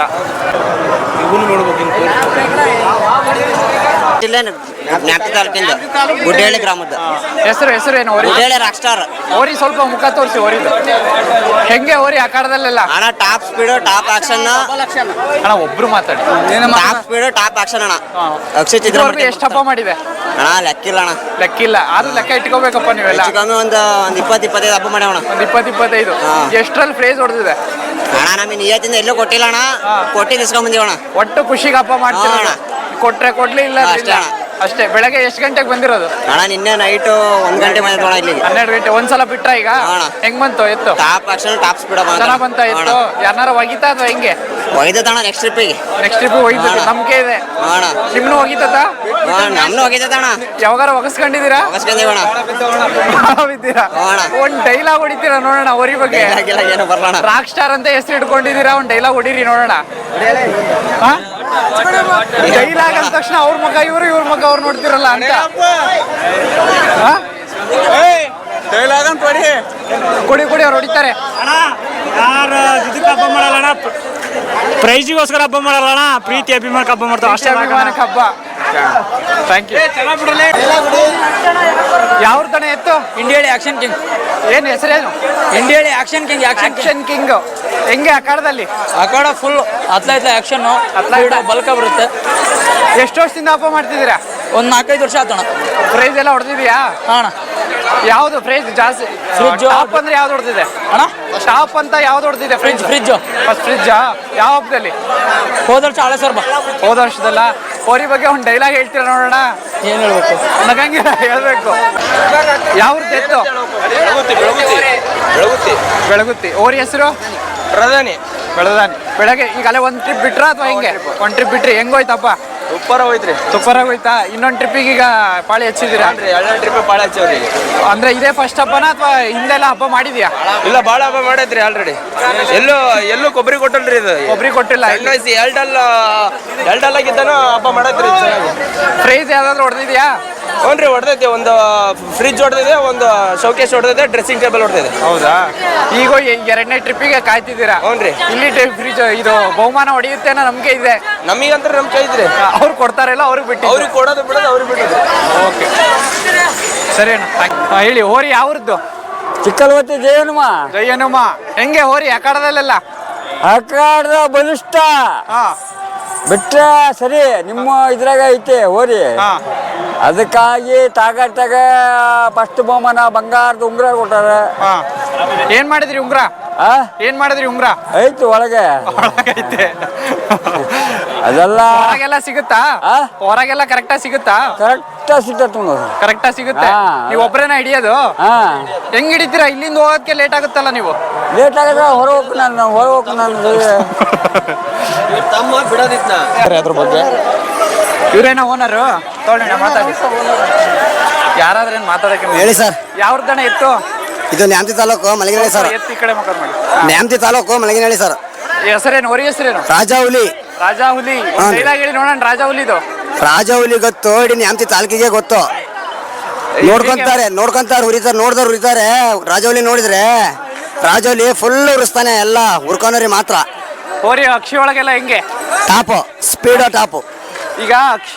Speaker 3: ಜ್ಞಾಪಿ ತಾಲೂಕಿಂದ ಗುಡ್ಡೇಳಿ ಗ್ರಾಮದ
Speaker 1: ಹೆಸರು ಏನು?
Speaker 3: Guddeli rock star.
Speaker 1: ಹೋರಿ ಸ್ವಲ್ಪ ಮುಖ ತೋರಿಸಿ ಹೋರಿದು. ಹೆಂಗೆ ಹೋರಿ ಅಖಾಡದಲ್ಲೆಲ್ಲ?
Speaker 3: ಅಣ್ಣ ಟಾಪ್ ಸ್ಪೀಡ್ ಟಾಪ್ ಆಕ್ಷನ್
Speaker 1: ಅಣ್ಣ ಒಬ್ರು ಮಾತಾಡಿ.
Speaker 3: ಟಾಪ್ ಸ್ಪೀಡ್ ಟಾಪ್ ಆಕ್ಷನ್ ಅಣ್ಣ.
Speaker 1: ಇದುವರೆಗೂ ಎಷ್ಟು ಹಬ್ಬ ಮಾಡಿದೆ?
Speaker 3: ಅಣ್ಣ ಲೆಕ್ಕಿಲ್ಲ ಅಣ್ಣ.
Speaker 1: ಲೆಕ್ಕಿಲ್ಲ. ಆದ್ರೂ ಲೆಕ್ಕ ಇಟ್ಕೋಬೇಕಪ್ಪ ನೀವೆಲ್ಲ.
Speaker 3: ಕಮ್ಮಿ ಒಂದು 20-25 ಹಬ್ಬ ಮಾಡ್ಯಾವಣ.
Speaker 1: ಒಂದು 20-25. ಎಷ್ಟರಲ್ಲಿ ಪ್ರೈಸ್ ಹೊಡೆದಿದೆ?
Speaker 3: ಅಣ್ಣ ನಮಗೆ ನಿಯತ್ತಿಂದ ಎಲ್ಲೂ ಕೊಟ್ಟಿಲ್ಲ ಅಣ್ಣ. ಕೊಟ್ಟು ಇಸ್ಕೊಂಡ್ ಬಂದೀವಣ್ಣ.
Speaker 1: ಒಟ್ಟು ಖುಷಿಗೆ ಹಬ್ಬ ಮಾಡ್ತೀವಿ. ಕೊಟ್ರೆ ಕೊಡ್ಲಿ, ಇಲ್ಲ
Speaker 3: ಅಷ್ಟೇ ಅಣ್ಣ.
Speaker 1: ಅಷ್ಟೇ. ಬೆಳಗ್ಗೆ ಎಷ್ಟು ಗಂಟೆಗೆ ಬಂದಿರೋದು?
Speaker 3: ಅಣ್ಣ ನಿನ್ನೆ ನೈಟ್ 1 ಗಂಟೆ ಬಂದಿರೋಣ ಇಲ್ಲಿಗೆ.
Speaker 1: 12 ಗಂಟೆ. ಒಂದ್ಸಲ ಬಿಟ್ರ ಈಗ? ಹೆಂಗ್ ಬಂತು ಎತ್ತು?
Speaker 3: ಟಾಪ್ ಆಕ್ಷನ್ ಟಾಪ್ ಸ್ಪೀಡ್
Speaker 1: ಚೆನ್ನಾಗ್ ಬಂತ ಎತ್ತು? ಯಾರು ಒಗಿತಾ ಅಥವಾ ಹೆಂಗೆ?
Speaker 3: ಒಗಿತಣ್ಣ ನೆಕ್ಸ್ಟ್ ಟ್ರಿಪ್ಪಿಗೆ.
Speaker 1: ನೆಕ್ಸ್ಟ್ ಟ್ರಿಪ್ ಒಗಿತದೆ, ನಂಬಿಕೆ ಇದೆ. ನಿಮ್ನು ಒಗಿತದ?
Speaker 3: ನಮ್ನು ಒಗಿತಣ್ಣ.
Speaker 1: ಯಾವಾಗಾರ ಒಗಸ್ಕೊಂಡಿದ್ದೀರಾ?
Speaker 3: ಒಗಸ್ಕೊಂಡಿವಣ್ಣ.
Speaker 1: ಬಿದ್ದೀರಾ? ಒಂದ್ ಡೈಲಾಗ್ ಹೊಡಿತೀರಾ ನೋಡೋಣ ಹೋರಿ ಬಗ್ಗೆ.
Speaker 3: ಏನು ಬರಲ್ಲ. ರಾಕ್
Speaker 1: ಸ್ಟಾರ್ ಅಂತ ಹೆಸರು ಇಟ್ಕೊಂಡಿದ್ದೀರಾ, ಒಂದ್ ಡೈಲಾಗ್ ಹೊಡೀರಿ ನೋಡೋಣ. ಡೈಲಾಗ್ ಅಂದ ತಕ್ಷಣ ಅವ್ರ ಮಗ ಇವ್ರ ಮಗ ಅವ್ರು ನೋಡ್ತಿರಲ್ಲ ಅಂತ. ಕೊಡಿ ಅವ್ರು ಹೊಡಿತಾರೆ.
Speaker 4: ಹಬ್ಬ ಮಾಡಲ್ಲ ಪ್ರೈಜಿಗೋಸ್ಕರ ಹಬ್ಬ ಮಾಡಲ್ಲ, ಪ್ರೀತಿ ಅಭಿಮಾನಕ್ಕೆ ಹಬ್ಬ ಮಾಡ್ತಾವ ಅಷ್ಟೇ.
Speaker 1: ಅಭಿಮಾನಕ್ಕೆ ಹಬ್ಬ. Thank you. ಯಾವ್ದಣ ಎತ್ತು?
Speaker 8: ಇಂಡಿಯಾಳಿ ಆಕ್ಷನ್ ಕಿಂಗ್.
Speaker 1: ಏನ್ ಹೆಸರೇನು?
Speaker 8: ಇಂಡಿಯಾಳಿ ಆಕ್ಷನ್ ಕಿಂಗ್.
Speaker 1: Action king. ಹೆಂಗೆ ಅಖಾಡದಲ್ಲಿ?
Speaker 8: ಅಖಾಡ ಫುಲ್ ಆಕ್ಷನ್ ಬಲ್ಕ ಬರುತ್ತೆ.
Speaker 1: ಎಷ್ಟು ವರ್ಷದಿಂದ ಹಬ್ಬ ಮಾಡ್ತಿದ್ದೀರಾ?
Speaker 8: ಒಂದು 4-5 ವರ್ಷ ಆತಣ.
Speaker 1: ಪ್ರೈಸ್ ಎಲ್ಲ ಹೊಡೆದಿದ್ಯಾ?
Speaker 8: ಅಣ್ಣ
Speaker 1: ಯಾವ್ದು ಪ್ರೈಸ್ ಜಾಸ್ತಿ? ಟಾಪ್ ಅಂದ್ರೆ ಯಾವ್ದು ಹೊಡೆದಿದೆ
Speaker 8: ಅಣ್ಣ?
Speaker 1: ಟಾಪ್ ಅಂತ ಯಾವ್ದು ಹೊಡೆದಿದೆ?
Speaker 8: ಫ್ರಿಜ್
Speaker 1: ಫಸ್ಟ್ ಫ್ರಿಜ್ಜಾ? ಯಾವ ಹಬ್ಬದಲ್ಲಿ?
Speaker 8: ಹೋದ ವರ್ಷ ಹಳೆ ಸರ್
Speaker 1: ಹೋದ ವರ್ಷದಲ್ಲ. ಹೋರಿ ಬಗ್ಗೆ ಒಂದು ಡೈಲಾಗ್ ಹೇಳ್ತೀರಾ ನೋಡೋಣ.
Speaker 8: ಏನ್ ಹೇಳ್ಬೇಕು?
Speaker 1: ನಗಂಗಿಲ್ಲ, ಹೇಳ್ಬೇಕು. ಯಾವ್ದು ಎತ್ತು? ಬೆಳಗುತ್ತಿ. ಹೋರಿ ಹೆಸರು?
Speaker 9: ಪ್ರಧಾನಿ.
Speaker 1: ಬೆಳಗ್ಗೆ ಈಗಲೇ ಒಂದ್ ಟ್ರಿಪ್ ಬಿಟ್ರ ಅಥವಾ ಹೆಂಗೆ? ಒಂದ್ ಟ್ರಿಪ್ ಬಿಟ್ರಿ. ಹೆಂಗೋಯ್ತಪ್ಪ?
Speaker 9: ಸೂಪರ್ ಹೋಯ್ತ್ರಿ.
Speaker 1: ಸೂಪರಾಗಿ ಹೋಯ್ತಾ? ಇನ್ನೊಂದು ಟ್ರಿಪ್ಪಿಗೆ ಈಗ ಪಾಳಿ ಹಚ್ಚಿದ್ದೀರಾ?
Speaker 9: 2 ಟ್ರಿಪ್ ಭಾಳ ಹಚ್ಚವ್ರಿ.
Speaker 1: ಅಂದ್ರೆ ಇದೇ ಫಸ್ಟ್ ಹಬ್ಬನ ಅಥವಾ ಹಿಂದೆಲ್ಲ ಹಬ್ಬ ಮಾಡಿದ್ಯಾ?
Speaker 9: ಇಲ್ಲ, ಭಾಳ ಹಬ್ಬ ಮಾಡೈತ್ರಿ ಆಲ್ರೆಡಿ. ಎಲ್ಲೂ ಕೊಬ್ಬರಿ ಕೊಟ್ಟಲ್ರಿ ಇದು.
Speaker 1: ಕೊಬ್ಬರಿ ಕೊಟ್ಟಿಲ್ಲ.
Speaker 9: ಎರಡಲ್ಲ ಆಗಿದ್ದಾನು ಹಬ್ಬ ಮಾಡೈತ್ರಿ.
Speaker 1: ಪ್ರೈಸ್ ಯಾವ್ದಾದ್ರು ಹೊಡೆದಿದ್ಯಾ?
Speaker 9: ಹ್ಞೂ ರೀ, ಹೊಡೆದೈತಿ. ಒಂದು ಫ್ರಿಜ್ ಹೊಡೆದಿದೆ, ಒಂದು ಶೋಕೇಸ್ ಹೊಡೆದಿದೆ, ಡ್ರೆಸ್ಸಿಂಗ್ ಟೇಬಲ್ ಹೊಡೆದಿದೆ.
Speaker 1: ಹೌದಾ? ಈಗ 2ನೇ ಟ್ರಿಪ್ಪಿಗೆ ಕಾಯ್ತಿದ್ದೀರಾ?
Speaker 9: ಹ್ಞೂ ರೀ.
Speaker 1: ಇಲ್ಲಿ ಫ್ರಿಜ್ ಇದು ಬಹುಮಾನ ಹೊಡೆಯುತ್ತೆ ಅನ್ನೋ ನಂಬಿಕೆ ಇದೆ.
Speaker 9: ನಮಗಂದ್ರೆ ನಮ್ಮ ಕೈ ಇದ್ರಿ.
Speaker 1: ಅವ್ರು ಕೊಡ್ತಾರಲ್ಲ, ಅವ್ರಿಗೆ ಬಿಟ್ಟು
Speaker 9: ಅವ್ರಿಗೆ ಕೊಡೋದು ಬಿಡೋದು ಅವ್ರಿಗೆ ಬಿಡೋದು.
Speaker 1: ಓಕೆ, ಸರಿ ಅಣ್ಣ. ಹೇಳಿ, ಹೋರಿ ಯಾವ್ರದ್ದು?
Speaker 3: ಚಿಕ್ಕಲ್ವತ್ತಿ
Speaker 1: ಜಯನುಮ. ಹೆಂಗೆ ಹೋರಿ ಅಖಾಡದಲ್ಲೆಲ್ಲ?
Speaker 3: ಅಖಾಡದ ಬಲಿಷ್ಠ ಬಿಟ್ರೆ ಸರಿ. ನಿಮ್ಮ ಇದ್ರಾಗ ಐತೆ ಹೋರಿ. ಅದಕ್ಕಾಗಿ ತಾಗಾಟಾಗ ಫಸ್ಟ್ ಬಹುಮಾನ ಬಂಗಾರದ ಉಂಗುರ ಕೊಟ್ಟಾರ.
Speaker 1: ಏನ್ ಮಾಡಿದ್ರಿ ಉಂಗ್ರ? ಐತಿ
Speaker 3: ಒಳಗೆ.
Speaker 1: ಐತೆ.
Speaker 3: ಅದೆಲ್ಲ
Speaker 1: ಹೊರಗೆಲ್ಲ ಸಿಗುತ್ತಾ? ಹೊರಗೆಲ್ಲ ಕರೆಕ್ಟಾಗಿ ಸಿಗುತ್ತಾ? ಕರೆಕ್ಟಾಗಿ ಸಿಗುತ್ತೆ. ನೀವು ಒಬ್ಬರೇನ ಹಿಡಿಯೋದು? ಹೆಂಗ್ ಹಿಡಿತೀರಾ? ಇಲ್ಲಿಂದ ಹೋಗೋದಕ್ಕೆ ಲೇಟ್ ಆಗುತ್ತಲ್ಲ ನೀವು?
Speaker 3: ಲೇಟ್ ಆಗದ ಹೊರಗೆ ನಾನು
Speaker 5: ತಮ್ಮ ಬಿಡೋದಿತ್ನ
Speaker 1: ಅದ್ರ ಬಗ್ಗೆ ಇವ್ರೇನ ಓನರು? ತೊಗೊಳ್ಳೋಣ, ಮಾತಾಡಿ. ಯಾರಾದ್ರೂ ಏನು ಮಾತಾಡಕ್ಕೆ
Speaker 3: ಹೇಳಿ ಸರ್.
Speaker 1: ಯಾವ್ದಣ್ಣ ಎತ್ತು?
Speaker 3: ಇದು ನ್ಯಾಮತಿ ತಾಲೂಕು ಮಲಗಿನಹಳ್ಳಿ ಸರ್.
Speaker 1: ಎತ್ತು ಈ ಕಡೆ ಮುಖ ಮಾಡಿ.
Speaker 3: ನ್ಯಾಮತಿ ತಾಲೂಕು ಮಲಗಿನಹಳ್ಳಿ ಸರ್.
Speaker 1: ಹೆಸರೇನು? ಹೊರಿ ಹೆಸರೇನು?
Speaker 3: ರಾಜಾ ಹುಲಿ.
Speaker 1: ಡೈಲಾಗ್ ಹೇಳಿ ನೋಡೋಣ ರಾಜಾ ಹುಲಿದು.
Speaker 3: ರಾಜವಲಿ ಗೊತ್ತು ಇಡೀ ನ್ಯಾಮತಿ ತಾಲೂಕಿಗೆ ಗೊತ್ತು. ನೋಡ್ಕೊಂತಾರೆ ನೋಡಿದವ್ರು ಹುರಿತಾರೆ. ರಾಜವಲಿ ನೋಡಿದ್ರೆ ರಾಜವಲಿ ಫುಲ್ ಉರಿಸ್ತಾನೆ, ಎಲ್ಲ ಹುರ್ಕೊಂಡ್ರಿ ಮಾತ್ರ.
Speaker 1: ಹೋರಿ ಅಕ್ಷಿ ಒಳಗೆಲ್ಲ ಹೆಂಗೆ
Speaker 3: ಟಾಪು, ಸ್ಪೀಡು ಟಾಪು.
Speaker 1: ಈಗ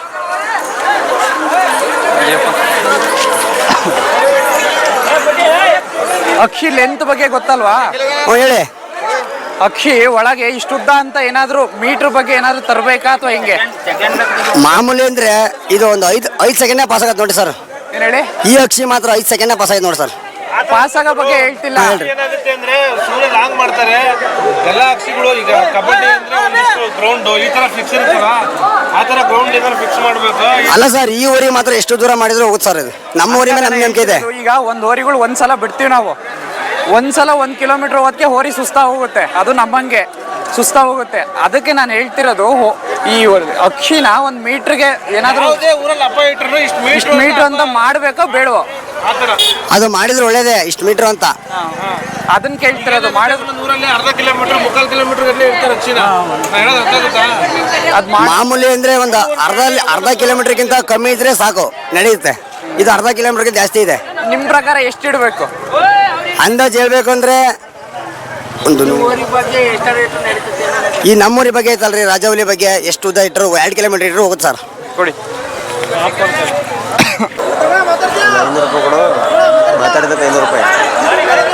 Speaker 1: ಅಕ್ಷಿ ಲೆಂತ್ ಬಗ್ಗೆ ಗೊತ್ತಲ್ವಾ?
Speaker 3: ಹೇಳಿ.
Speaker 1: ಅಕ್ಷಿ ಒಳಗೆ ಇಷ್ಟುದ್ದ ಅಂತ ಏನಾದ್ರು ಮೀಟರ್ ಬಗ್ಗೆ ಏನಾದ್ರು ತರಬೇಕಾ ಅಥವಾ ಹೆಂಗೆ?
Speaker 3: ಮಾಮೂಲಿ ಅಂದ್ರೆ ಇದು ಒಂದು 5 ಸೆಕೆಂಡ್ ಪಾಸ್ ಆಗತ್ತೆ ನೋಡಿ ಸರ್.
Speaker 1: ಏನ್ ಹೇಳಿ?
Speaker 3: ಈ ಅಕ್ಷಿ ಮಾತ್ರ 5 ಸೆಕೆಂಡ್ ಪಾಸ್ ಆಯ್ತು ನೋಡಿ ಸರ್.
Speaker 1: ಪಾಸ್ ಆಗೋ ಬಗ್ಗೆ ಹೇಳ್ತಿಲ್ಲ.
Speaker 10: ಏನಾಗುತ್ತೆ ಅಂದ್ರೆ ಸುಮ್ಮನೆ ಲಾಂಗ್ ಮಾಡ್ತಾರೆ ಎಲ್ಲ ಅಕ್ಷಿಗಳು. ಈಗ ಕಬಡ್ಡಿ ಅಂದ್ರೆ ಒಂದಿಷ್ಟು ಗ್ರೌಂಡ್ ಈ ತರ ಫಿಕ್ಸ್ ಇರ್ತಲ್ಲ, ಆ ತರ ಗ್ರೌಂಡ್ ಏನಾದ್ರು ಫಿಕ್ಸ್ ಮಾಡ್ಬೇಕು.
Speaker 3: ಅಲ್ಲ ಸರ್, ಈ ಊರಿ ಮಾತ್ರ ಎಷ್ಟು ದೂರ ಮಾಡಿದ್ರು ಹೋಗುತ್ತೆ ಸರ್. ಇದು ನಮ್ಮ ಊರಿ ಮೇಲೆ ನಮ್ಗೆ ನಂಬಿಕೆ ಇದೆ.
Speaker 1: ಈಗ ಒಂದ್ ಹೋರಿಗಳು ಒಂದ್ಸಲ ಬಿಡ್ತೀವಿ ನಾವು, ಒಂದ್ಸಲ 1 ಕಿಲೋಮೀಟರ್ ಹೋದಕ್ಕೆ ಹೋರಿ ಸುಸ್ತಾ ಹೋಗುತ್ತೆ. ಅದು ನಮ್ಮಂಗೆ ಸುಸ್ತಾ ಹೋಗುತ್ತೆ. ಅದಕ್ಕೆ ನಾನು ಹೇಳ್ತಿರೋದು ಈ ಅಕ್ಷಿನ 1 ಮೀಟರ್ಗೆ ಏನಾದ್ರು
Speaker 10: ಊರಲ್ಲಿ ಹಬ್ಬ ಇಟ್ಟರು
Speaker 1: ಇಷ್ಟು ಮೀಟರ್ ಅಂತ ಮಾಡ್ಬೇಕೋ ಬೇಡವೋ?
Speaker 3: ಅದು ಮಾಡಿದ್ರೆ ಒಳ್ಳೇದೇ, ಇಷ್ಟು ಮೀಟರ್ ಅಂತ.
Speaker 1: ಅದನ್ನ ಕೇಳ್ತಿರೋದು. ಮಾಡಿದ್ರೆ
Speaker 10: ಊರಲ್ಲಿ ಅರ್ಧ ಕಿಲೋಮೀಟರ್ 3/4 ಕಿಲೋಮೀಟರ್ ಇರ್ತಾರೆ ಅಕ್ಷಿನ.
Speaker 1: ಅದ್
Speaker 3: ಮಾಮೂಲಿ ಅಂದ್ರೆ ಒಂದು ಅರ್ಧ ಕಿಲೋಮೀಟರ್ಗಿಂತ ಕಮ್ಮಿ ಇದ್ರೆ ಸಾಕು, ನಡೆಯುತ್ತೆ. ಇದು ಅರ್ಧ ಕಿಲೋಮೀಟರ್ಗೆ ಜಾಸ್ತಿ ಇದೆ.
Speaker 1: ನಿಮ್ ಪ್ರಕಾರ ಎಷ್ಟು ಇಡಬೇಕು
Speaker 3: ಅಂದಾಜು ಹೇಳ್ಬೇಕು ಅಂದ್ರೆ ಒಂದು ಈ ನಮ್ಮೂರಿ ಬಗ್ಗೆ ಐತಲ್ರಿ, ರಾಜವಲಿ ಬಗ್ಗೆ ಎಷ್ಟು ಉದ್ದ ಇಟ್ಟರು 2 ಕಿಲೋಮೀಟರ್ ಇಟ್ಟರು ಹೋಗುತ್ತೆ ಸರ್.
Speaker 1: ಕೊಡಿ.
Speaker 5: 500 ರೂಪಾಯಿ ಕೊಡು, ಮಾತಾಡಿದಕ್ಕೆ 500 ರೂಪಾಯಿ.